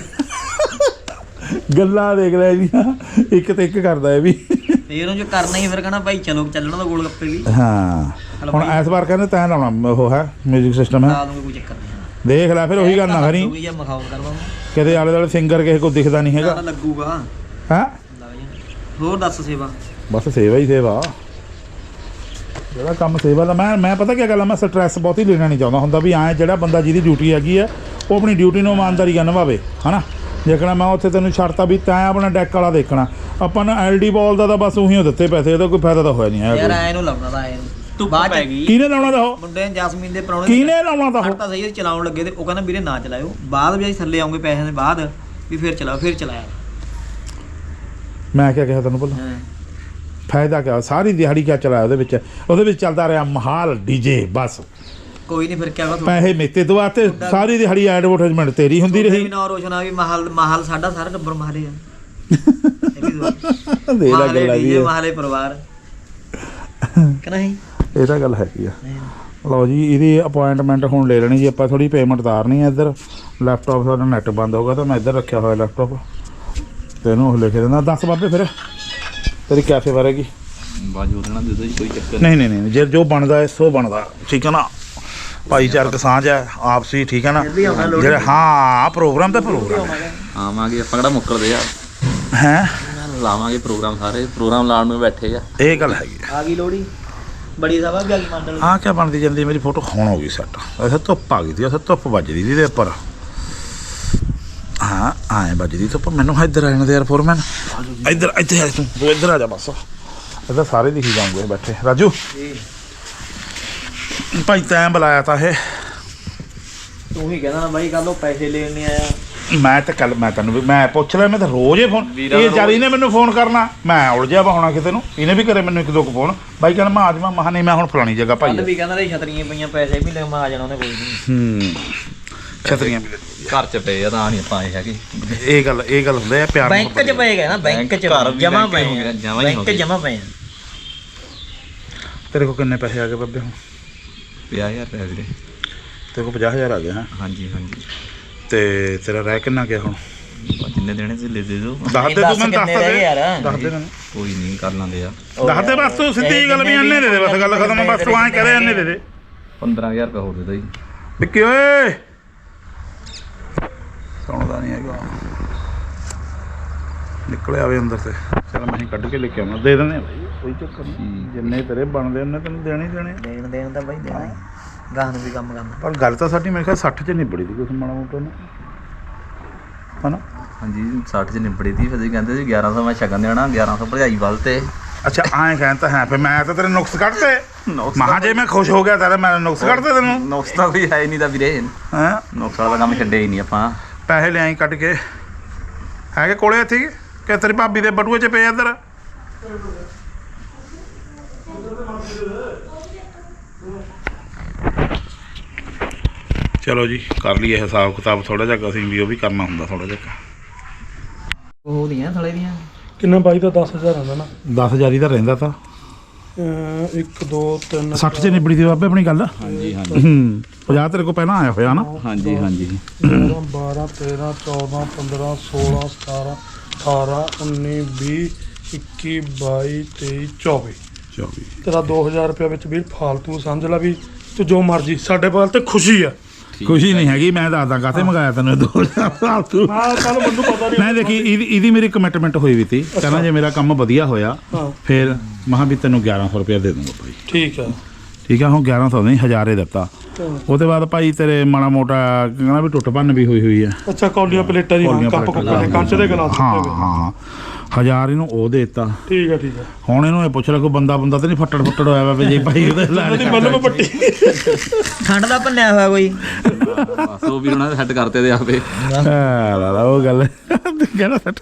ਗੱਲਾਂ ਦੇਖ ਲੈ ਇਹਦੀਆਂ ਇੱਕ ਤੇ ਇੱਕ ਕਰਦਾ ਇਹ ਵੀ
ਤੇ ਇਹਨੂੰ ਜੋ ਕਰਨਾ ਹੀ ਫਿਰ ਕਹਣਾ ਭਾਈ ਚਲੋ ਚੱਲਣਾ ਤਾਂ ਗੋਲ ਗੱਪੇ ਵੀ
ਹਾਂ ਹੁਣ ਇਸ ਵਾਰ ਕਹਿੰਦੇ ਤੈਂ ਲਾਉਣਾ ਉਹ ਹੈ ਮਿਊਜ਼ਿਕ ਸਿਸਟਮ ਹੈ
ਲਾ ਦੂੰਗੇ ਕੋਈ ਚੱਕਰ ਨਹੀਂ
ਦੇਖ ਲੈ ਫਿਰ ਉਹੀ ਗੱਲ ਨਾ ਕਰੀ
ਲੱਗੂਗੀ ਜਾਂ ਮਖਾਉ ਕਰਵਾ
ਕਿਤੇ ਆਲੇ ਦੁਆਲੇ ਸਿੰਗਰ ਕਿਸੇ ਕੋ ਦਿਖਦਾ ਨਹੀਂ ਹੈਗਾ
ਲੱਗੂਗਾ
ਹੈ
ਲੱਗ ਜਾਣਾ ਹੋਰ ਦੱਸ ਸੇਵਾ
ਬਸ ਸੇਵਾ ਹੀ ਸੇਵਾ ਜਿਹੜਾ ਕੰਮ ਸੇਵਾ ਦਾ ਮੈਂ ਮੈਂ ਪਤਾ ਕੀ ਗੱਲ ਆ ਮੈਂ ਸਟ੍ਰੈਸ ਬਹੁਤੀ ਲੈਣਾ ਨਹੀਂ ਚਾਹੁੰਦਾ ਹੁੰਦਾ ਵੀ ਐਂ ਜਿਹੜਾ ਬੰਦਾ ਜਿਹਦੀ ਡਿਊਟੀ ਹੈਗੀ ਆ ਉਹ ਆਪਣੀ ਡਿਊਟੀ ਨੂੰ ਇਮਾਨਦਾਰੀ ਨਾਲ ਨਿਭਾਵੇ ਹਨਾ ਦੇਖਣਾ ਮੈਂ ਉੱਥੇ ਤੈਨੂੰ ਛੱਡਤਾ ਵੀ ਤੈਂ ਆਪਣਾ ਡੈਕ ਵਾਲਾ ਦੇਖਣਾ ਆਪਾਂ ਨੂੰ ਐਲਡੀ ਬਾਲ ਦਾ ਤਾਂ ਬਸ ਉਹੀ ਦਿੱਤੇ ਪੈਸੇ ਇਹਦਾ ਕੋਈ ਫਾਇਦਾ ਤਾਂ ਹੋਇਆ ਨਹੀਂ
ਯਾਰ
ਹੈ
ਐ ਨੂੰ ਲਾਉਣਾ ਤਾਂ ਐ ਨੂੰ
ਧੁੱਪ
ਬਾਅਦ
ਪੈ
ਚ
ਗਈ
ਕਿਹਨੇ ਲਾਉਣਾ ਦਾ ਉਹ
ਮੁੰਡੇ ਨੇ ਜਸਮੀਨ ਦੇ ਪਰੌਣੇ
ਕਿਹਨੇ ਲਾਉਣਾ ਦਾ ਉਹ
ਤਾਂ ਸਹੀ ਚਲਾਉਣ ਲੱਗੇ ਤੇ ਉਹ ਕਹਿੰਦਾ ਵੀਰੇ ਨਾ ਚਲਾਇਓ ਬਾਅਦ ਵੀ ਅਸੀਂ ਥੱਲੇ ਆਉਂਗੇ ਪੈਸਿਆਂ ਦੇ ਬਾਅਦ ਵੀ ਫਿਰ ਚਲਾਓ ਫਿਰ ਚਲਾਇਆ
ਮੈਂ ਕਿਹਾ ਕਿਹਾ ਤੈਨੂੰ ਭਲਾ
ਹਾਂ
ਫਾਇਦਾ ਕਿਆ ਸਾਰੀ ਦਿਹਾੜੀ ਕਿਆ ਚਲਾਇਆ ਉਹਦੇ ਵਿੱਚ ਉਹਦੇ ਵਿੱਚ ਚੱਲਦਾ ਰਿਹਾ ਮਹਾਲ ਡੀਜੇ ਬਸ
ਕੋਈ ਨਹੀਂ ਫਿਰ ਕਿਆ ਵਾ
ਪੈਸੇ ਮੇਤੇ ਦਵਾਤੇ ਸਾਰੀ ਦਿਹਾੜੀ ਐਡਵਰਟਾਈਜ਼ਮੈਂਟ ਤੇਰੀ ਹੁੰਦੀ
ਵੀ
ਰਹੀ
ਨਾ ਰੋਸ਼ਨ ਆ ਵੀ ਮਹਲ ਮਹਲ ਸਾਡਾ ਸਾਰਾ ਟੱਬਰ ਮਹਲੇ ਆ ਇਹ ਵੀ ਦੋ
ਦੇ ਲਾ
ਮਹਲੇ
ਗੱਲਾਂ ਵੀ
ਡੀਜੇ
ਇਹ।
ਮਹਲੇ ਪਰਿਵਾਰ ਕਿ ਨਹੀਂ
ਇਹ ਤਾਂ ਗੱਲ ਹੈਗੀ ਆ ਲਓ ਜੀ ਇਹਦੀ ਅਪਾਇੰਟਮੈਂਟ ਹੁਣ ਲੈ ਲੈਣੀ ਜੀ ਆਪਾਂ ਥੋੜੀ ਪੇਮੈਂਟ ਤਾਰਨੀ ਹੈ ਇੱਧਰ ਲੈਪਟਾਪ ਸਾਡਾ ਨੈਟ ਬੰਦ ਹੋ ਗਿਆ ਤਾਂ ਮੈਂ ਇੱਧਰ ਰੱਖਿਆ ਹੋਇਆ ਲੈਪਟਾਪ ਤੇ ਇਹਨੂੰ ਉਹ ਲਿਖ ਦਿੰਦਾ ਦੱਸ ਬਾਬੇ ਫਿਰ ਤੇਰੀ ਕੈਫੇ ਬਾਰੇ
ਬਾਜੂ ਦੇਣਾ ਦੇ ਦੋ ਜੀ ਕੋਈ ਚੱਕਰ
ਨਹੀਂ ਨਹੀਂ ਨਹੀਂ ਜੇ ਜੋ ਬਣਦਾ ਹੈ ਸੋ ਬਣਦਾ ਠੀਕ ਹੈ ਨਾ ਭਾਈਚਾਰਕ ਸਾਂਝ ਹੈ ਆਪਸੀ ਠੀਕ ਹੈ ਨਾ ਜਿਹੜਾ ਹਾਂ ਪ੍ਰੋਗਰਾਮ ਤਾਂ ਪ੍ਰੋਗਰਾਮ
ਆਵਾਂਗੇ ਆਪਾਂ ਕਿਹੜਾ ਮੁੱਕਰਦੇ ਆ
ਹੈ
ਲਾਵਾਂਗੇ ਪ੍ਰੋਗਰਾਮ ਸਾਰੇ ਪ੍ਰੋਗਰਾਮ ਲਾਉਣ ਨੂੰ ਬੈਠੇ ਆ
ਇਹ ਗੱਲ ਹੈਗੀ ਆ
ਆ ਗਈ ਲੋੜੀ ਬੜੀ ਸਭਾ ਵੀ ਆ ਗਈ ਮੰਡਲ
ਆਹ ਕਿਆ ਬਣਦੀ ਜਾਂਦੀ ਮੇਰੀ ਫੋਟੋ ਹੁਣ ਹੋ ਗਈ ਸੈੱਟ ਅੱਛਾ ਧੁੱਪ ਆ ਗਈ ਸੀ ਅੱਛਾ ਧੁੱਪ ਵੱਜਦੀ ਸੀ ਇਹਦੇ ਉੱਪਰ ਹਾਂ ਆਏ ਵੱਜਦੀ ਧੁੱਪ ਮੈਨੂੰ ਇੱਧਰ ਆ ਜਾਣਾ ਤੇ ਯਾਰ ਫੋਰਮੈਨ ਇੱਧਰ ਇੱਥੇ ਆ ਤੂੰ ਤੂੰ ਇੱਧਰ ਆ ਜਾ ਬਸ ਇੱਧਰ ਸਾਰੇ ਦਿਖੀ ਜਾਉਂਗੇ ਬੈਠੇ ਰਾਜੂ ਭਾਈ ਤੈਂ ਬੁਲਾਇਆ ਤਾਂ ਇਹ
ਤੂੰ ਹੀ ਕਹਿੰਦਾ ਨਾ ਬਾਈ ਕੱਲ ਉਹ ਪੈਸੇ ਲੈਣ ਨਹੀਂ ਆਇਆ
ਮੈਂ ਤਾਂ ਕੱਲ ਮੈਂ ਤੈਨੂੰ ਵੀ ਮੈਂ ਪੁੱਛ ਲਿਆ ਮੈਂ ਤਾਂ ਰੋਜ਼ ਹੀ ਫੋਨ ਇਹ ਜਦ ਇਹਨੇ ਮੈਨੂੰ ਫੋਨ ਕਰਨਾ ਮੈਂ ਉਲਝਿਆ ਵਾ ਹੋਣਾ ਕਿਤੇ ਨੂੰ ਇਹਨੇ ਵੀ ਕਰੇ ਮੈਨੂੰ ਇੱਕ ਦੋ ਕੁ ਫੋਨ ਬਾਈ ਕਹਿੰਦਾ ਮੈਂ ਆਜਮਾ ਮਹਾ ਨਹੀਂ ਮੈਂ ਹੁਣ ਫਲਾਣੀ ਜਗ੍ਹਾ ਭਾਈ
ਕੱਲ ਵੀ ਕਹਿੰਦਾ ਤੇ ਛਤਰੀਆਂ ਪਈਆਂ ਪੈਸੇ ਵੀ ਲੈ ਮੈਂ ਆ ਜਾਣਾ ਉਹਨੇ ਕੋਈ ਨਹੀਂ
ਹੂੰ ਛਤਰੀਆਂ ਵੀ
ਘਰ ਚ ਪਏ ਆ ਤਾਂ ਨਹੀਂ ਆਪਾਂ ਆਏ ਹੈਗੇ
ਇਹ ਗੱਲ ਇਹ ਗੱਲ ਹੁੰਦਾ ਹੈ ਪਿਆਰ
ਬੈਂਕ 'ਚ ਪਏ ਗਏ ਨਾ ਬੈਂਕ 'ਚ
ਘਰ ਵੀ
ਜਮਾ
ਬੈਂਕ
ਪਏ
ਹੋ
ਆ
ਗਿਆ, ਜਮਾਂ ਹੀ ਹੋ
ਬੈਂਕ
ਗਏ।
ਜਮਾ ਪਏ ਆ
ਤੇਰੇ ਕੋਲ ਕਿੰਨੇ ਪੈਸੇ ਆ ਗਏ ਬੱਬੇ ਹੁਣ
ਪੰਜਾਹ ਹਜ਼ਾਰ ਰੁਪਏ ਵੀਰੇ
ਤੇਰੇ ਕੋਲ ਪੰਜਾਹ ਹਜ਼ਾਰ ਆ ਗਏ ਹਾਂ
ਹਾਂਜੀ ਹਾਂਜੀ
ਤੇ ਤੇਰਾ ਰਹਿ ਕਿੰਨਾ ਗਿਆ ਹੁਣ
ਬਸ ਜਿੰਨੇ ਦੇਣੇ ਸੀ ਲੈ ਦੇ ਦਿਓ
ਦੱਸ ਦੇ ਤੂੰ ਮੈਨੂੰ ਦੱਸ
ਕਿੰਨੇ ਰਹਿ ਗਏ
ਦੇ
ਯਾਰ?
ਦੱਸ ਦੇ ਮੈਨੂੰ
ਕੋਈ ਨਹੀਂ ਕਰ ਲਾਂਦੇ ਆ
ਦੱਸ ਦੇ ਬਸ ਤੂੰ ਸਿੱਧੀ ਗੱਲ ਵੀ ਅੰਨੇ ਦੇ ਦੇ ਬਸ ਗੱਲ ਖਤਮ ਆ, ਬਸ ਤੂੰ ਐਂ ਕਰੇ ਅੰਨੇ ਦੇ ਦੇ
ਪੰਦਰਾਂ ਹਜ਼ਾਰ ਰੁਪਏ ਹੋਰ ਦੇ ਦੋ ਜੀ
ਵਿੱਕੀ ਓਏ ਸੁਣਦਾ ਨਹੀਂ ਹੈਗਾ ਨਿਕਲਿਆ ਵੇ ਅੰਦਰ ਤੇ ਚਲ ਮੈਂ ਹੀ ਕੱਢ ਕੇ ਲੈ ਕੇ ਆਉਣਾ ਦੇ ਦਿੰਦੇ ਆ ਬਾਈ ਕੋਈ ਚੱਕਰ ਨਹੀਂ ਜਿੰਨੇ ਤੇਰੇ ਬਣਦੇ ਉਹਨੇ ਤੈਨੂੰ ਦੇਣੇ ਹੀ ਦੇਣੇ
ਦੇਣ ਦੇਣ ਤਾਂ ਬਾਈ ਦੇਣਾ ਹੀ ਗਾਹ ਨੂੰ ਵੀ ਕੰਮ ਕਰਨਾ
ਪਰ ਗੱਲ ਤਾਂ ਸਾਡੀ ਮੇਰੇ ਖਿਆਲ ਸੱਠ ਚ ਨਿਬੜੀ ਦੀ ਕੁਛ ਮਾੜਾ ਮੋਟਾ ਨਾ ਹਨਾ
ਹਾਂਜੀ ਸੱਠ ਚ ਨਿਬੜੀ ਤੀ ਫਿਰ ਤੁਸੀਂ ਕਹਿੰਦੇ ਸੀ ਗਿਆਰਾਂ ਸੌ ਮੈਂ ਸ਼ਗਨ ਦੇਣਾ ਗਿਆਰਾਂ ਸੌ ਭਰਜਾਈ ਵੱਲ ਤੇ
ਅੱਛਾ ਐਂ ਕਹਿੰਦਾ ਹੈ ਫਿਰ ਮੈਂ ਤਾਂ ਤੇਰੇ ਨੁਕਸ ਕੱਢਤੇ ਮਹਾ ਜੇ ਮੈਂ ਖੁਸ਼ ਹੋ ਗਿਆ ਤਾਂ ਮੈਂ ਨੁਕਸ ਕੱਢਤੇ ਤੈਨੂੰ
ਨੁਕਸ ਤਾਂ ਕੋਈ ਹੈ ਨਹੀਂ ਤਾਂ ਵੀਰੇ
ਹੈਂ
ਨੁਕਸ ਵਾਲਾ ਕੰਮ ਛੱਡੇ ਹੀ ਨਹੀਂ ਆਪਾਂ
ਪੈਸੇ ਲਿਆਈ ਕੱਢ ਕੇ ਹੈਗੇ ਕੋਲੇ ਇੱਥੇ ਕਿ ਤੇਰੀ ਭਾਬੀ ਦੇ ਬਟੂਏ 'ਚ ਪਏ ਇੱਧਰ ਚਲੋ ਜੀ ਕਰ ਲਈਏ ਹਿਸਾਬ ਕਿਤਾਬ ਥੋੜਾ ਜਿਹਾ ਅਸੀਂ ਵੀ ਉਹ ਵੀ ਕਰਨਾ ਹੁੰਦਾ ਥੋੜਾ ਜਿਹਾ
ਉਹ ਦੀਆਂ ਥਲੇ ਦੀਆਂ
ਕਿੰਨਾ ਬਾਈ ਦਾ ਦਸ ਹਜ਼ਾਰ ਆਉਂਦਾ ਨਾ
ਦਸ ਹਜ਼ਾਰ ਹੀ ਤਾਂ ਰਹਿੰਦਾ ਤਾਂ
ਅਹ ਇੱਕ ਦੋ ਤਿੰਨ
ਸੱਠ 'ਚ ਨਿਬੜੀ ਦੀ ਬਾਬੇ ਆਪਣੀ ਗੱਲ
ਹਾਂਜੀ ਹਾਂਜੀ
ਹੂੰ ਪੰਜਾਹ ਤੇਰੇ ਕੋਲ ਪਹਿਲਾਂ ਆਇਆ ਹੋਇਆ ਨਾ
ਹਾਂਜੀ ਹਾਂਜੀ
ਗਿਆਰਾਂ ਬਾਰਾਂ ਤੇਰਾਂ ਚੌਦਾਂ ਪੰਦਰਾਂ ਸੋਲਾਂ ਸਤਾਰਾਂ ਅਠਾਰਾਂ ਉੱਨੀ ਵੀਹ ਇੱਕੀ ਬਾਈ ਤੇਈ ਚੌਵੀ
ਚੌਵੀ
ਤੇਰਾ ਦੋ ਹਜ਼ਾਰ ਰੁਪਇਆ ਵਿੱਚ ਵੀਰ ਫਾਲਤੂ ਸਮਝ ਲੈ ਵੀ ਤੂੰ ਜੋ ਮਰਜੀ ਸਾਡੇ ਵੱਲ ਤੇ ਖੁਸ਼ੀ ਆ
ਖੁਸ਼ੀ ਨਹੀਂ ਹੈਗੀ ਮੈਂ ਦੱਸਦਾ ਕਾਹਤੇ ਮੰਗਾਇਆ ਤੈਨੂੰ ਦੋ ਹਜ਼ਾਰ ਫਾਲਤੂ
ਮੈਂ ਕੱਲ ਮੈਨੂੰ ਪਤਾ ਨਹੀਂ
ਮੈਂ ਦੇਖੀ ਇਹਦੀ ਇਹਦੀ ਮੇਰੀ ਕਮਿਟਮੈਂਟ ਹੋਈ ਵੀ ਤੀ ਕਹਿੰਦਾ ਜੇ ਮੇਰਾ ਕੰਮ ਵਧੀਆ ਹੋਇਆ
ਹਾਂ
ਫਿਰ ਮਹਾਂ ਵੀ ਤੈਨੂੰ ਗਿਆਰਾਂ ਸੌ ਰੁਪਇਆ ਦੇ ਦੂੰਗਾ ਭਾਈ
ਠੀਕ ਆ
ਠੀਕ ਆ ਹੁਣ ਗਿਆਰਾਂ ਸੌ ਨਹੀਂ ਹਜ਼ਾਰੇ ਦਿੱਤਾ ਉਹਦੇ ਬਾਅਦ ਭਾਈ ਤੇਰੇ ਮਾੜਾ ਮੋਟਾ ਕਹਿੰਦਾ ਵੀ ਟੁੱਟ ਭੰਨ ਵੀ ਹੋਈ ਹੋਈ ਆ
ਅੱਛਾ ਕੌਲੀਆਂ ਪਲੇਟਾਂ ਦੀ
ਕੌਲੀਆਂ
ਕੱਪ ਕੁੱਪ ਦੇ ਕੰਚ ਦੇ ਗਲਾਸ
ਹਾਂ ਹਾਂ ਹਜ਼ਾਰ ਇਹਨੂੰ ਉਹ ਦੇ ਦਿੱਤਾ
ਠੀਕ ਹੈ ਠੀਕ ਹੈ
ਹੁਣ ਇਹਨੂੰ ਇਹ ਪੁੱਛ ਲੈ ਕੋਈ ਬੰਦਾ ਬੰਦਾ ਤੇ ਨਹੀਂ ਫੱਟੜ ਫੱਟੜ ਹੋਇਆ ਵਾ ਵੀ ਜੇ ਭਾਈ ਉਹਦੇ
ਉਹਦੀ ਮੱਲਮ ਪੱਟੀ
ਖੰਡ ਦਾ ਭੰਨਿਆ ਹੋਇਆ ਕੋਈ
ਬਸ ਉਹ ਵੀ ਉਹਨਾਂ ਨੇ ਸੈੱਟ ਕਰਤੇ ਤੇ ਆਪੇ
ਹਾਂ ਲਾ ਉਹ ਗੱਲ ਕਹਿੰਦਾ ਸੱਟ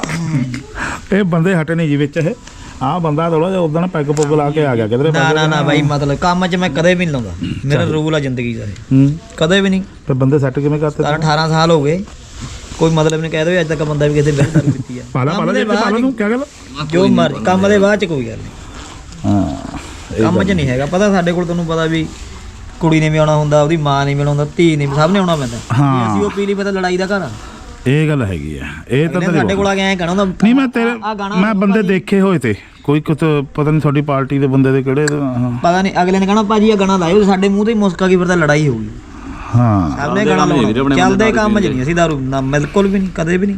ਇਹ ਬੰਦੇ ਹਟੇ ਨਹੀਂ ਜੀ ਵਿੱਚ ਇਹ ਆਹ ਬੰਦਾ ਥੋੜਾ ਜਿਹਾ ਉਦੋਂ ਪੈਗ ਪੁੱਗ ਲਾ ਕੇ ਆ ਗਿਆ ਕਿਧਰੇ
ਨਾ ਨਾ ਨਾ ਬਾਈ ਮਤਲਬ ਕੰਮ 'ਚ ਮੈਂ ਕਦੇ ਵੀ ਨਹੀਂ ਲਾਉਂਦਾ ਮੇਰਾ ਰੂਲ ਆ ਜ਼ਿੰਦਗੀ ਦਾ ਇਹ
ਹੂੰ
ਕਦੇ ਵੀ ਨਹੀਂ
ਤੇ ਬੰਦੇ ਸੈੱਟ ਕਿਵੇਂ ਕਰਤੇ
ਸਤਾਰਾਂ ਅਠਾਰਾਂ ਸਾਲ ਹੋ ਗਏ ਕੋਈ ਮਤਲਬ ਨਹੀਂ ਕਹਿ ਦੋ ਅੱਜ ਤੱਕ ਬੰਦਾ ਵੀ ਕਿਸੇ ਬਿਲ ਦਾਰੂ ਪੀਤੀ ਆ
ਪਾਲਾ ਪਾਲਾ ਦੇ ਪਾਲਾ ਨੂੰ ਕੀ ਗੱਲ
ਜੋ ਮਰ ਕੰਮ ਦੇ ਬਾਅਦ 'ਚ ਕੋਈ ਗੱਲ ਨਹੀਂ
ਹਾਂ
ਕੰਮ 'ਚ ਨਹੀਂ ਹੈਗਾ ਪਤਾ ਸਾਡੇ ਕੋਲ ਤੁਹਾਨੂੰ ਪਤਾ ਵੀ ਕੁੜੀ ਨੇ ਵੀ ਆਉਣਾ ਹੁੰਦਾ ਉਹਦੀ ਮਾਂ ਨੇ ਵੀ ਆਉਣਾ ਹੁੰਦਾ ਧੀ ਨੇ ਵੀ ਸਭ ਨੇ ਆਉਣਾ ਪੈਂਦਾ
ਹਾਂ।
ਅਸੀਂ ਉਹ ਪੀ ਲਈ ਪਤਾ ਲੜਾਈ ਦਾ ਘਰ ਆ
ਇਹ ਗੱਲ ਹੈਗੀ ਆ ਇਹ ਤਾਂ
ਇਹਨੇ ਸਾਡੇ ਕੋਲ ਆ ਕੇ ਐਂ ਕਹਿਣਾ ਹੁੰਦਾ
ਨਹੀਂ ਮੈਂ ਤੇਰੇ
ਆਹ ਗਾਣਾ
ਮੈਂ ਬੰਦੇ ਦੇਖੇ ਹੋਏ ਤੇ ਕੋਈ ਕੁਤ ਪਤਾ ਨਹੀਂ ਤੁਹਾਡੀ ਪਾਰਟੀ ਦੇ ਬੰਦੇ ਦੇ ਕਿਹੜੇ ਹਾਂ
ਪਤਾ ਨਹੀਂ ਅਗਲੇ ਨੇ ਕਹਿਣਾ ਭਾਜੀ ਆ ਗਾਣਾ ਲਾਇਓ ਸਾਡੇ ਮੂੰਹ ਤੇ ਹੀ ਮੁਸਕਾ ਕੀ ਫਿਰ ਤਾਂ ਲੜਾਈ ਹੋਊਗੀ
ਹਾਂ
ਸਭ ਨੇ ਗਾਣਾ ਲਾਉਣਾ ਚੱਲਦੇ ਕੰਮ 'ਚ ਨਹੀਂ ਅਸੀਂ ਦਾਰੂ ਨਾ ਬਿਲਕੁਲ ਵੀ ਨਹੀਂ ਕਦੇ ਵੀ ਨਹੀਂ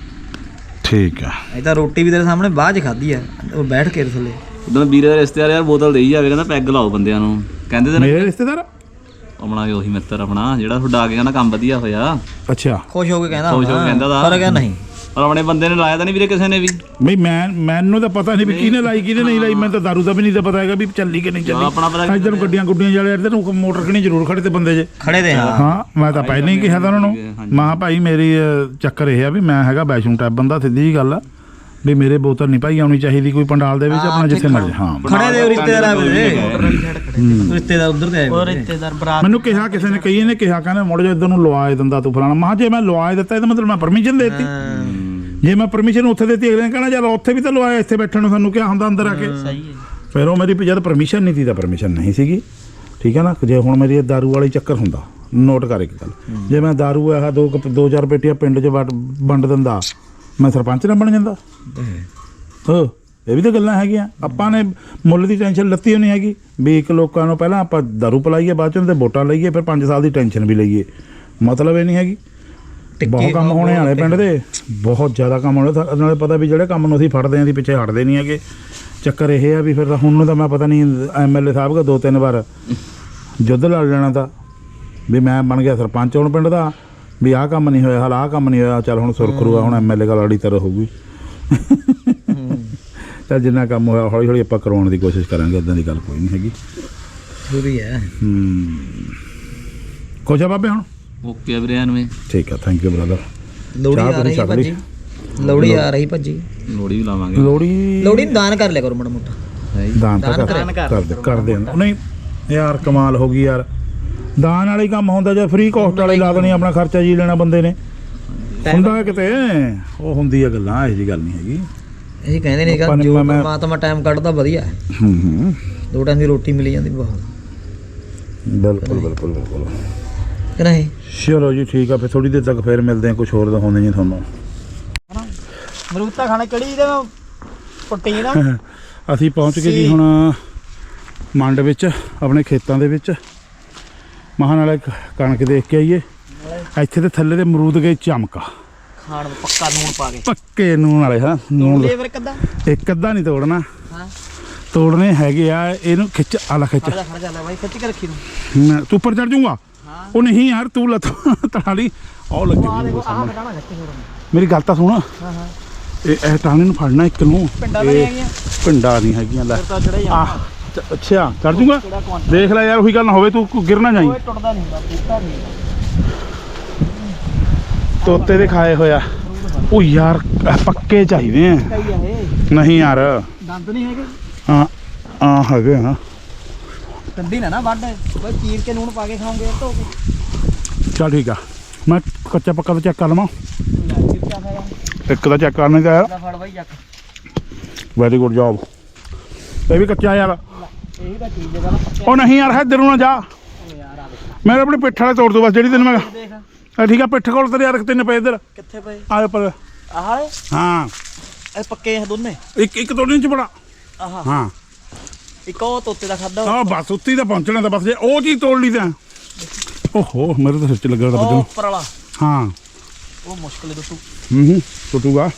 ਠੀਕ ਆ
ਇਹ ਤਾਂ ਰੋਟੀ ਵੀ ਤੇਰੇ ਸਾਹਮਣੇ ਬਾਅਦ 'ਚ ਖਾਧੀ ਆ ਉਹ ਬੈਠ ਕੇ ਥੱਲੇ
ਉਦੋਂ ਵੀਰੇ ਦੇ ਰਿਸ਼ਤੇਦਾਰ ਯਾਰ ਬੋਤਲ ਦੇਈ ਜਾਵੇ ਕਹਿੰਦਾ ਪੈਗ ਲਾਓ ਬੰਦਿਆਂ ਨੂੰ ਕਹਿੰਦੇ ਤੇ
ਮੇਰੇ ਰਿਸ਼ਤੇਦਾਰ
ਆਪਣਾ ਉਹੀ ਮਿੱਤਰ ਆਪਣਾ ਜਿਹੜਾ ਤੁਹਾਡਾ ਆ ਕੇ ਕਹਿੰਦਾ ਕੰਮ ਵਧੀਆ ਹੋਇਆ
ਅੱਛਾ
ਖੁਸ਼ ਹੋ ਕੇ ਕਹਿੰਦਾ
ਖੁਸ਼ ਹੋ ਕੇ ਕਹਿੰਦਾ ਦਾ।
ਪਰ ਕਹਿੰਦਾ ਨਹੀਂ
ਪਰ ਆਪਣੇ ਬੰਦੇ ਨੇ ਲਾਇਆ ਤਾਂ ਨਹੀਂ ਵੀਰੇ ਕਿਸੇ ਨੇ ਵੀ
ਬਈ ਮੈਂ ਮੈਨੂੰ ਤਾਂ ਪਤਾ ਨਹੀਂ ਵੀ ਕਿਹਨੇ ਲਾਈ ਕਿਹਨੇ ਨਹੀਂ ਲਾਈ ਮੈਨੂੰ ਤਾਂ ਦਾਰੂ ਦਾ ਵੀ ਨਹੀਂ ਤਾਂ ਪਤਾ ਹੈਗਾ ਵੀ ਚੱਲੀ ਕਿ ਨਹੀਂ ਚੱਲੀ
ਆਪਣਾ ਪਤਾ
ਇੱਧਰ ਨੂੰ ਗੱਡੀਆਂ ਗੁੱਡੀਆਂ ਵਾਲੇ ਇੱਧਰ ਨੂੰ ਮੋਟਰ ਖਣੀ ਜ਼ਰੂਰ ਖੜੇ ਤੇ ਬੰਦੇ ਜੇ
ਖੜੇ ਤੇ ਹਾਂ
ਹਾਂ ਮੈਂ ਤਾਂ ਪਹਿਲਾਂ ਹੀ ਕਿਹਾ ਤਾਂ ਉਹਨਾਂ ਨੂੰ ਮਾਂ ਭਾਈ ਮੇਰੀ ਅਹ, ਚੱਕਰ ਇਹ ਆ ਵੀ ਮੈਂ ਹੈਗਾ ਵੈਸ਼ਨੂ ਟਾਈਪ ਬੰਦਾ ਸਿੱਧੀ ਜੀ ਗੱਲ ਆ ਵੀ ਮੇਰੇ ਬੋਤਲ ਨਹੀਂ ਭਾਈ ਆਉਣੀ ਚਾਹੀਦੀ ਕੋਈ ਪੰਡਾਲ ਦੇ ਵਿੱਚ ਆਪਣਾ ਜਿੱਥੇ ਮਰਜ਼ੀ ਹਾਂ
ਖੜੇ ਦੇ ਰਿਸ਼ਤੇਦਾਰ ਆ ਵੇ ਰਿਸ਼ਤੇਦਾਰ ਉਧਰ ਤੇ ਆਏ
ਉਹ ਰਿਸ਼ਤੇਦਾਰ ਬਰਾਤ
ਮੈਨੂੰ ਕਿਹਾ ਕਿਸੇ ਨੇ ਕਹੀ ਨੇ ਕਿਹਾ ਕਹਿੰਦਾ ਮੁੜ ਜਾ ਇੱਧਰ ਨੂੰ ਲਵਾਏ ਦਿੰਦਾ ਤੂੰ ਫਲਾਣਾ ਮਾ ਜੇ ਮੈਂ ਲਵਾਏ ਦਿੱਤਾ ਇਹਦਾ ਮਤਲਬ ਮੈਂ ਪਰਮਿਸ਼ਨ ਦੇਤੀ ਜੇ ਮੈਂ ਪਰਮਿਸ਼ਨ ਉੱਥੇ ਦੇਤੀ ਅਗਲੇ ਨੇ ਕਹਿਣਾ ਚੱਲ ਉੱਥੇ ਵੀ ਤਾਂ ਲਵਾਇਆ ਇੱਥੇ ਬੈਠਣ ਨੂੰ ਸਾਨੂੰ ਕਿਹਾ ਹੁੰਦਾ ਅੰਦਰ ਆ ਕੇ
ਸਹੀ ਹੈ
ਫਿਰ ਉਹ ਮੇਰੀ ਜਦ ਪਰਮਿਸ਼ਨ ਨਹੀਂ ਸੀ ਤਾਂ ਪਰਮਿਸ਼ਨ ਨਹੀਂ ਸੀਗੀ ਠੀਕ ਹੈ ਨਾ ਜੇ ਹੁਣ ਮੇਰੀ ਦਾਰੂ ਵਾਲੀ ਚੱਕਰ ਹੁੰਦਾ ਨੋਟ ਕਰ ਇੱਕ ਗੱਲ ਜੇ ਮੈਂ ਦਾਰੂ ਆਹ ਦੋ ਕੁ- ਦੋ ਚਾਰ ਪੇਟੀਆਂ ਪਿੰਡ 'ਚ ਵੰਡ ਵੰਡ ਦਿੰਦਾ ਮੈਂ ਸਰਪੰਚ ਨਾ ਬਣ ਜਾਂਦਾ ਹੋ ਇਹ ਵੀ ਤਾਂ ਗੱਲਾਂ ਹੈਗੀਆਂ ਆਪਾਂ ਨੇ ਮੁੱਲ ਦੀ ਟੈਨਸ਼ਨ ਲੱਤੀ ਹੋਣੀ ਹੈਗੀ ਵੀ ਇੱਕ ਲੋਕਾਂ ਨੂੰ ਪਹਿਲਾਂ ਆਪਾਂ ਦਾਰੂ ਪਲਾਈਏ ਬਾਅਦ 'ਚ ਉਹਦੇ ਵੋਟਾਂ ਲਈਏ ਫਿਰ ਪੰਜ ਸਾਲ ਦੀ ਟੈਨਸ਼ਨ ਵੀ ਲਈਏ ਮਤਲਬ ਇਹ ਨਹੀਂ ਹੈਗੀ ਬਹੁਤ ਕੰਮ ਹੋਣੇ ਵਾਲੇ ਪਿੰਡ ਦੇ ਬਹੁਤ ਜ਼ਿਆਦਾ ਕੰਮ ਹੋਣੇ ਤਾਂ ਨਾਲੇ ਪਤਾ ਵੀ ਜਿਹੜੇ ਕੰਮ ਨੂੰ ਅਸੀਂ ਫੜਦੇ ਆਂ ਦੀ ਪਿੱਛੇ ਹਟਦੇ ਨਹੀਂ ਹੈਗੇ ਚੱਕਰ ਇਹ ਆ ਵੀ ਫਿਰ ਹੁਣ ਨੂੰ ਤਾਂ ਮੈਂ ਪਤਾ ਨਹੀਂ ਐਮ ਐਲ ਏ ਸਾਹਿਬ ਦਾ ਦੋ ਤਿੰਨ ਵਾਰ ਯੁੱਧ ਲੜ ਲੈਣਾ ਤਾਂ ਵੀ ਮੈਂ ਬਣ ਗਿਆ ਸਰਪੰਚ ਹੁਣ ਪਿੰਡ ਦਾ ਵੀ ਆਹ ਕੰਮ ਨਹੀਂ ਹੋਇਆ ਹਾਲ ਆਹ ਕੰਮ ਨਹੀਂ ਹੋਇਆ ਚੱਲ ਹੁਣ ਸੁਰਖਰੂ ਆ ਹੁਣ ਐਮ ਐਲ ਏ ਗੱਲ ਅੜੀ ਤਰ੍ਹਾਂ ਹੋਊਗੀ ਚੱਲ ਜਿੰਨਾ ਕੰਮ ਹੋਇਆ ਹੌਲੀ ਹੌਲੀ ਆਪਾਂ ਕਰਵਾਉਣ ਦੀ ਕੋਸ਼ਿਸ਼ ਕਰਾਂਗੇ ਇੱਦਾਂ ਦੀ ਗੱਲ ਕੋਈ ਨਹੀਂ ਹੈਗੀ
ਜ਼ਰੂਰੀ ਹੈ
ਹੂੰ ਕੁਛ ਆ ਬਾਬੇ ਹੁਣ
ਓਕੇ ਵੀਰੇ ਐਨਵੇਂ
ਠੀਕ ਆ ਥੈਂਕ ਯੂ ਬ੍ਰਦਰ
ਲੋੜੀ
ਚਾਹ
ਆ
ਪੂਰੀ
ਰਹੀ
ਛਕ ਲਈ।
ਭੱਜੀ ਲੋੜੀ ਆ ਰਹੀ ਭੱਜੀ
ਲੋੜੀ ਵੀ ਲਾਵਾਂਗੇ
ਲੋੜੀ
ਲੋੜੀ ਨੂੰ ਦਾਨ ਕਰ ਲਿਆ ਕਰੋ ਮਾੜਾ ਮੋਟਾ
ਦਾਨ ਤਾਂ ਕਰ- ਕਰਦੇ ਕਰਦੇ ਆ। ਨਹੀਂ ਯਾਰ ਕਮਾਲ ਹੋ ਗਈ ਯਾਰ ਦਾਨ ਵਾਲੀ ਕੰਮ ਹੁੰਦਾ ਜੇ ਫ੍ਰੀ ਕੋਸਟ ਵਾਲੀ ਲਾ ਦੇਣੀ ਆਪਣਾ ਖਰਚਾ ਜੀ ਲੈਣਾ ਬੰਦੇ ਨੇ ਹੁੰਦਾ ਕਿਤੇ ਉਹ ਹੁੰਦੀ ਆ ਗੱਲਾਂ ਇਹੋ ਜਿਹੀ ਗੱਲ ਨਹੀਂ ਹੈਗੀ
ਇਹ ਕਹਿੰਦੇ ਨੇ ਕਿ
ਆਪਾਂ ਨੇ
ਜੋ
ਮੈਂ-
ਪਰਮਾਤਮਾ ਟਾਈਮ ਕੱਢਦਾ ਵਧੀਆ ਹੈ
ਹੂੰ ਹੂੰ
ਦੋ ਟਾਈਮ ਦੀ ਰੋਟੀ ਮਿਲ ਜਾਂਦੀ ਬਹੁਤ
ਬਿਲਕੁਲ ਬਿਲਕੁਲ ਬਿਲਕੁਲ
ਕਿ ਨਹੀਂ
ਚਲੋ ਜੀ ਠੀਕ ਆ ਫਿਰ ਥੋੜੀ ਦੇਰ ਤੱਕ ਫੇਰ ਮਿਲਦੇ ਆ ਕੁਝ ਹੋਰ ਦਿਖਾਉਂਦੇ ਜੀ ਤੁਹਾਨੂੰ
ਮਰੂਤਾ ਖਾਣਾ ਕਿਹੜੀ ਇਹਦੇ ਪੱਟੀ ਨਾ
ਅਸੀਂ ਪਹੁੰਚ ਗਏ ਜੀ ਹੁਣ ਮੰਡ ਵਿੱਚ ਆਪਣੇ ਖੇਤਾਂ ਦੇ ਵਿੱਚ ਮਹਾਨ ਵਾਲੇ ਕਣਕ ਦੇਖ ਕੇ ਆਈਏ ਇੱਥੇ ਤੇ ਥੱਲੇ ਦੇ ਅਮਰੂਦ ਗਏ ਚਮਕਾ
ਖਾਣ ਪੱਕਾ ਨੂਣ ਪਾ ਕੇ
ਪੱਕੇ ਨੂਣ ਵਾਲੇ ਹਾਂ ਨੂਣ
ਲੈ ਫਿਰ ਕੱਦਾ
ਇੱਕ ਅੱਧਾ ਨਹੀਂ ਤੋੜਨਾ
ਹਾਂ
ਤੋੜਨੇ ਹੈਗੇ ਆ ਇਹਨੂੰ ਖਿੱਚ ਆਲਾ ਖਿੱਚ
ਖੜ ਜਾ ਖੜ ਜਾ ਲੈ ਬਾਈ ਖਿੱਚ ਕੇ ਰੱਖੀ ਤੂੰ
ਮੈਂ- ਤੂੰ ਉੱਪਰ ਚੜ ਜਾਊਂਗਾ ਉਹ ਨਹੀਂ ਯਾਰ ਤੂੰ ਲੱਤ ਤੜਾ ਲਈ ਉਹ ਲੱਗੀ ਹੋਈ ਆ
ਆਹ
ਸਾਹਮਣੇ।
ਬਟਾਣਾ ਖਿੱਚ ਹੋਰ
ਮੇਰੀ ਗੱਲ ਤਾਂ ਸੁਣ
ਹਾਂ ਹਾਂ
ਇਹ ਇਹ ਟਾਣੇ ਨੂੰ ਫੜਨਾ ਇੱਕ ਨੂੰ
ਪਿੰਡਾਂ ਤਾਂ
ਇਹ
ਨਹੀਂ ਹੈਗੀਆਂ
ਪਿੰਡਾਂ ਨਹੀਂ ਹੈਗੀਆਂ ਲੈ
ਫਿਰ ਤਾਂ ਚੜਾ ਹੀ
ਆ
ਜਾਂਦਾ
ਅੱਛਾ ਚੜ ਜਾਊਂਗਾ
ਕਿਹੜਾ ਕੌਣ
ਦੇਖ ਲੈ ਯਾਰ ਉਹੀ ਗੱਲ ਨਾ ਹੋਵੇ ਤੂੰ ਗਿਰ ਨਾ ਜਾਈਂ
ਓਏ ਟੁੱਟਦਾ ਨਹੀਂ ਹੁੰਦਾ ਬੂਟਾ ਨਹੀਂ
ਤੋਤੇ ਦੇ ਖਾਏ ਹੋਇਆ ਉਹ ਯਾਰ ਇਹ ਪੱਕੇ ਚਾਹੀਦੇ ਆ
ਕਈ ਆ ਇਹ
ਨਹੀਂ ਯਾਰ
ਦੰਦ ਨਹੀਂ ਹੈਗੇ
ਹਾਂ ਆ ਹੈਗੇ ਹਾਂ
ਕੰਦੀ ਨਾ ਨਾ ਵੱਢ ਬਈ ਚੀਰ ਕੇ ਨੂਣ ਪਾ ਕੇ ਖਾਓਗੇ ਧੋ ਕੇ
ਚੱਲ ਠੀਕ ਆ ਮੈਂ ਕੱਚਾ ਪੱਕਾ ਤਾਂ ਚੈੱਕ ਕਰ ਲਵਾਂ
ਲੈ ਕੇ ਕਿਆ ਖਾਇਆ
ਇੱਕ ਦਾ ਚੈੱਕ ਕਰਨੇ ਦਾ ਯਾਰ
ਲੈ ਫੜ ਬਾਈ ਜੱਕ
ਵੈਰੀ ਗੁੱਡ ਜੌਬ ਇਹ ਵੀ ਕੱਚਾ ਯਾਰ
ਇਹੀ ਤਾਂ ਚੀਜ਼ ਹੈ ਨਾ ਪੱਕੇ
ਉਹ ਨਹੀਂ ਯਾਰ ਇੱਧਰ ਨੂੰ ਨਾ ਜਾ
ਯਾਰ ਆ ਦੇਖ
ਮੈਂ ਆਪਣੀ ਪਿੱਠ ਵਾਲੇ ਤੋੜ ਦੋ ਬਸ ਜਿਹੜੀ ਤੈਨੂੰ ਮੈਂ
ਦੇਖ
ਇਹ ਠੀਕ ਆ ਪਿੱਠ ਕੋਲ ਤੇਰੇ ਯਾਰ ਤਿੰਨ ਪਏ ਇੱਧਰ
ਕਿੱਥੇ ਪਏ
ਆ ਉੱਪਰ
ਆਹ ਵਾਲੇ
ਹਾਂ
ਇਹ ਪੱਕੇ ਆ ਦੋਨੇ
ਇੱਕ ਇੱਕ ਤੋੜਨ ਚ ਬੜਾ
ਆਹ
ਹਾਂ
ਇੱਕ ਉਹ ਤੋਤੇ ਦਾ ਖਾਦਾ
ਆ ਬਸ ਉੱਤੀ ਤਾਂ ਪਹੁੰਚਣਾ ਤਾਂ ਬਸ ਜੇ ਉਹ ਚੀਜ਼ ਤੋੜ ਲਈ ਤਾਂ ਓਹੋ ਮੇਰੇ ਤਾਂ ਸਿਰ ਚ ਲੱਗਾ ਤਾਂ
ਉਹ
ਬੱਜੂ
ਉੱਪਰ ਵਾਲਾ
ਹਾਂ
ਉਹ ਮੁਸ਼ਕਿਲ ਹੈ ਦੋਸਤੋ
ਹੂੰ ਹੂੰ ਟੁੱਟੂਗਾ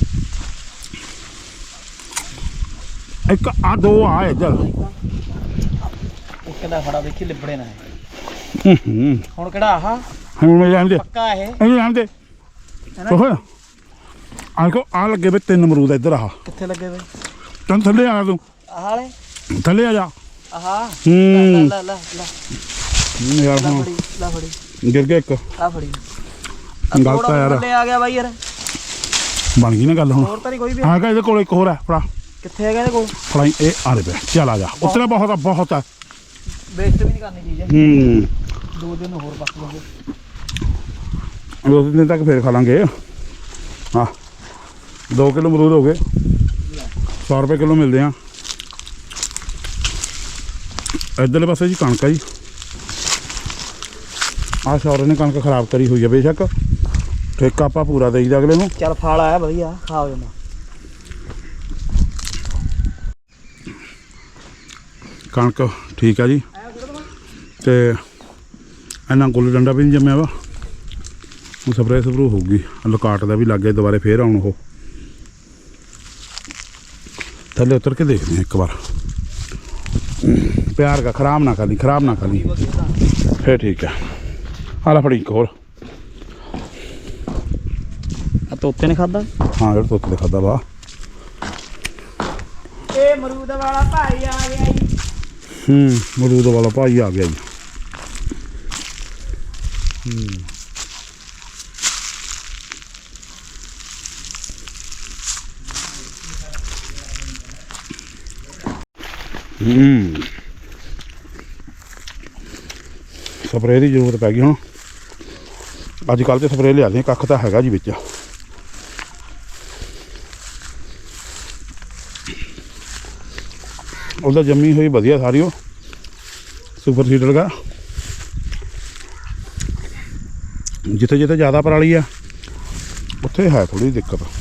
ਇੱਕ ਆ ਦੋ ਆ ਇੱਧਰ
ਕਿੰਨਾ ਫੜਾ ਦੇਖੀ ਲਿਬੜੇ ਨਾ
ਹੂੰ ਹੂੰ
ਹੁਣ ਕਿਹੜਾ ਆਹ
ਹੁਣ ਮੇਰੇ ਆਂਦੇ
ਪੱਕਾ ਇਹ
ਇਹਨੂੰ ਆਂਦੇ ਉਹ ਆਹ ਕੋ ਆ ਲੱਗੇ ਵੇ ਤਿੰਨ ਅਮਰੂਦ ਇੱਧਰ ਆ
ਕਿੱਥੇ ਲੱਗੇ ਵੇ
ਤੈਨੂੰ ਥੱਲੇ ਆ ਤੂੰ
ਆਹ ਵਾਲੇ
ਥੱਲੇ ਆ ਜਾ
ਆਹ
ਹੂੰ
ਲੈ ਲੈ ਲੈ ਲੈ
ਯਾਰ
ਲੈ
ਹੁਣ
ਫੜੀ ਲੈ ਫੜੀ
ਗਿਰ ਗਿਆ ਇੱਕ
ਆ ਫੜੀ
ਗਲਤ ਆ ਯਾਰ
ਥੱਲੇ ਆ ਗਿਆ ਬਾਈ ਯਾਰ
ਬਣ ਗਈ ਨਾ ਗੱਲ ਹੁਣ
ਹੋਰ ਤਾਂ ਨਹੀਂ ਕੋਈ ਵੀ
ਆ ਗਿਆ ਇਹਦੇ ਕੋਲ ਇੱਕ ਹੋਰ ਹੈ ਫੜਾ
ਕਿੱਥੇ ਹੈਗਾ ਇਹਦੇ ਕੋਲ
ਫੜਾਈ ਇਹ ਆ ਦੇ ਪਿਆ ਚੱਲ ਆ ਜਾ ਉਤਰਾ ਬਹੁਤ ਆ ਬਹੁਤ ਆ
ਵੇਸਟ ਵੀ ਨਹੀਂ ਕਰਨੀ ਚੀਜ਼
ਹੂੰ
ਦੋ ਦਿਨ ਹੋਰ ਬਸ ਲਾਂਗੇ
ਦੋ ਦਿਨ ਤੱਕ ਫੇਰ ਖਾ ਲਾਂਗੇ ਹਾਂ ਦੋ ਕਿਲੋ ਅਮਰੂਦ ਹੋ ਗਏ ਸੌ ਰੁਪਏ ਕਿਲੋ ਮਿਲਦੇ ਆ ਇੱਧਰਲੇ ਪਾਸੇ ਜੀ ਕਣਕ ਆ ਜੀ ਆਹ ਸ਼ੌਰੇ ਨੇ ਕਣਕ ਖਰਾਬ ਕਰੀ ਹੋਈ ਆ ਬੇਸ਼ੱਕ ਠੇਕਾ ਆਪਾਂ ਪੂਰਾ ਦੇਈਦਾ ਅਗਲੇ ਨੂੰ
ਚੱਲ ਫਲ ਆਇਆ ਵਧੀਆ ਖਾ ਹੋ ਜਾਂਦਾ
ਕਣਕ ਠੀਕ ਆ ਜੀ ਤੇ ਇਹਨਾਂ ਗੁੱਲ ਡੰਡਾ ਵੀ ਨਹੀਂ ਜੰਮਿਆ ਵਾ ਉਹ ਸਪਰੇਅ ਸਪਰੂ ਹੋਊਗੀ ਲੁਕਾਟ ਦਾ ਵੀ ਲੱਗ ਗਿਆ ਦੁਬਾਰੇ ਫੇਰ ਆਉਣ ਉਹ ਥੱਲੇ ਉਤਰ ਕੇ ਦੇਖਦੇ ਹਾਂ ਇੱਕ ਵਾਰ ਪਿਆਰ ਦਾ ਖਰਾਬ ਨਾ ਕਰੀ ਖਰਾਬ ਨਾ ਕਰੀ ਫੇਰ ਠੀਕ ਹੈ ਆਲਾ ਫੜੀ ਇੱਕ ਹੋਰ
ਆ ਤੋਤੇ ਨੇ ਖਾਦਾ
ਹਾਂ ਜਿਹੜਾ ਤੋਤੇ ਖਾਦਾ ਵਾ
ਇਹ ਮਰੂਦ ਵਾਲਾ ਭਾਈ ਆ ਗਿਆ ਜੀ
ਹੂੰ ਮਰੂਦ ਵਾਲਾ ਭਾਈ ਆ ਗਿਆ ਜੀ ਹੂੰ ਹੂੰ ਸਪਰੇਅ ਦੀ ਜ਼ਰੂਰਤ ਪੈ ਗਈ ਹੁਣ ਅੱਜ ਕੱਲ੍ਹ ਤੇ ਸਪਰੇਅ ਲਿਆਦੇ ਕੱਖ ਤਾਂ ਹੈਗਾ ਜੀ ਵਿੱਚ ਉਹਦਾ ਜੰਮੀ ਹੋਈ ਵਧੀਆ ਸਾਰੀ ਉਹ ਸੁਪਰ ਸੀਡਰ ਦਾ ਜਿੱਥੇ ਜਿੱਥੇ ਜ਼ਿਆਦਾ ਪਰਾਲੀ ਆ ਉੱਥੇ ਹੈ ਥੋੜੀ ਦਿੱਕਤ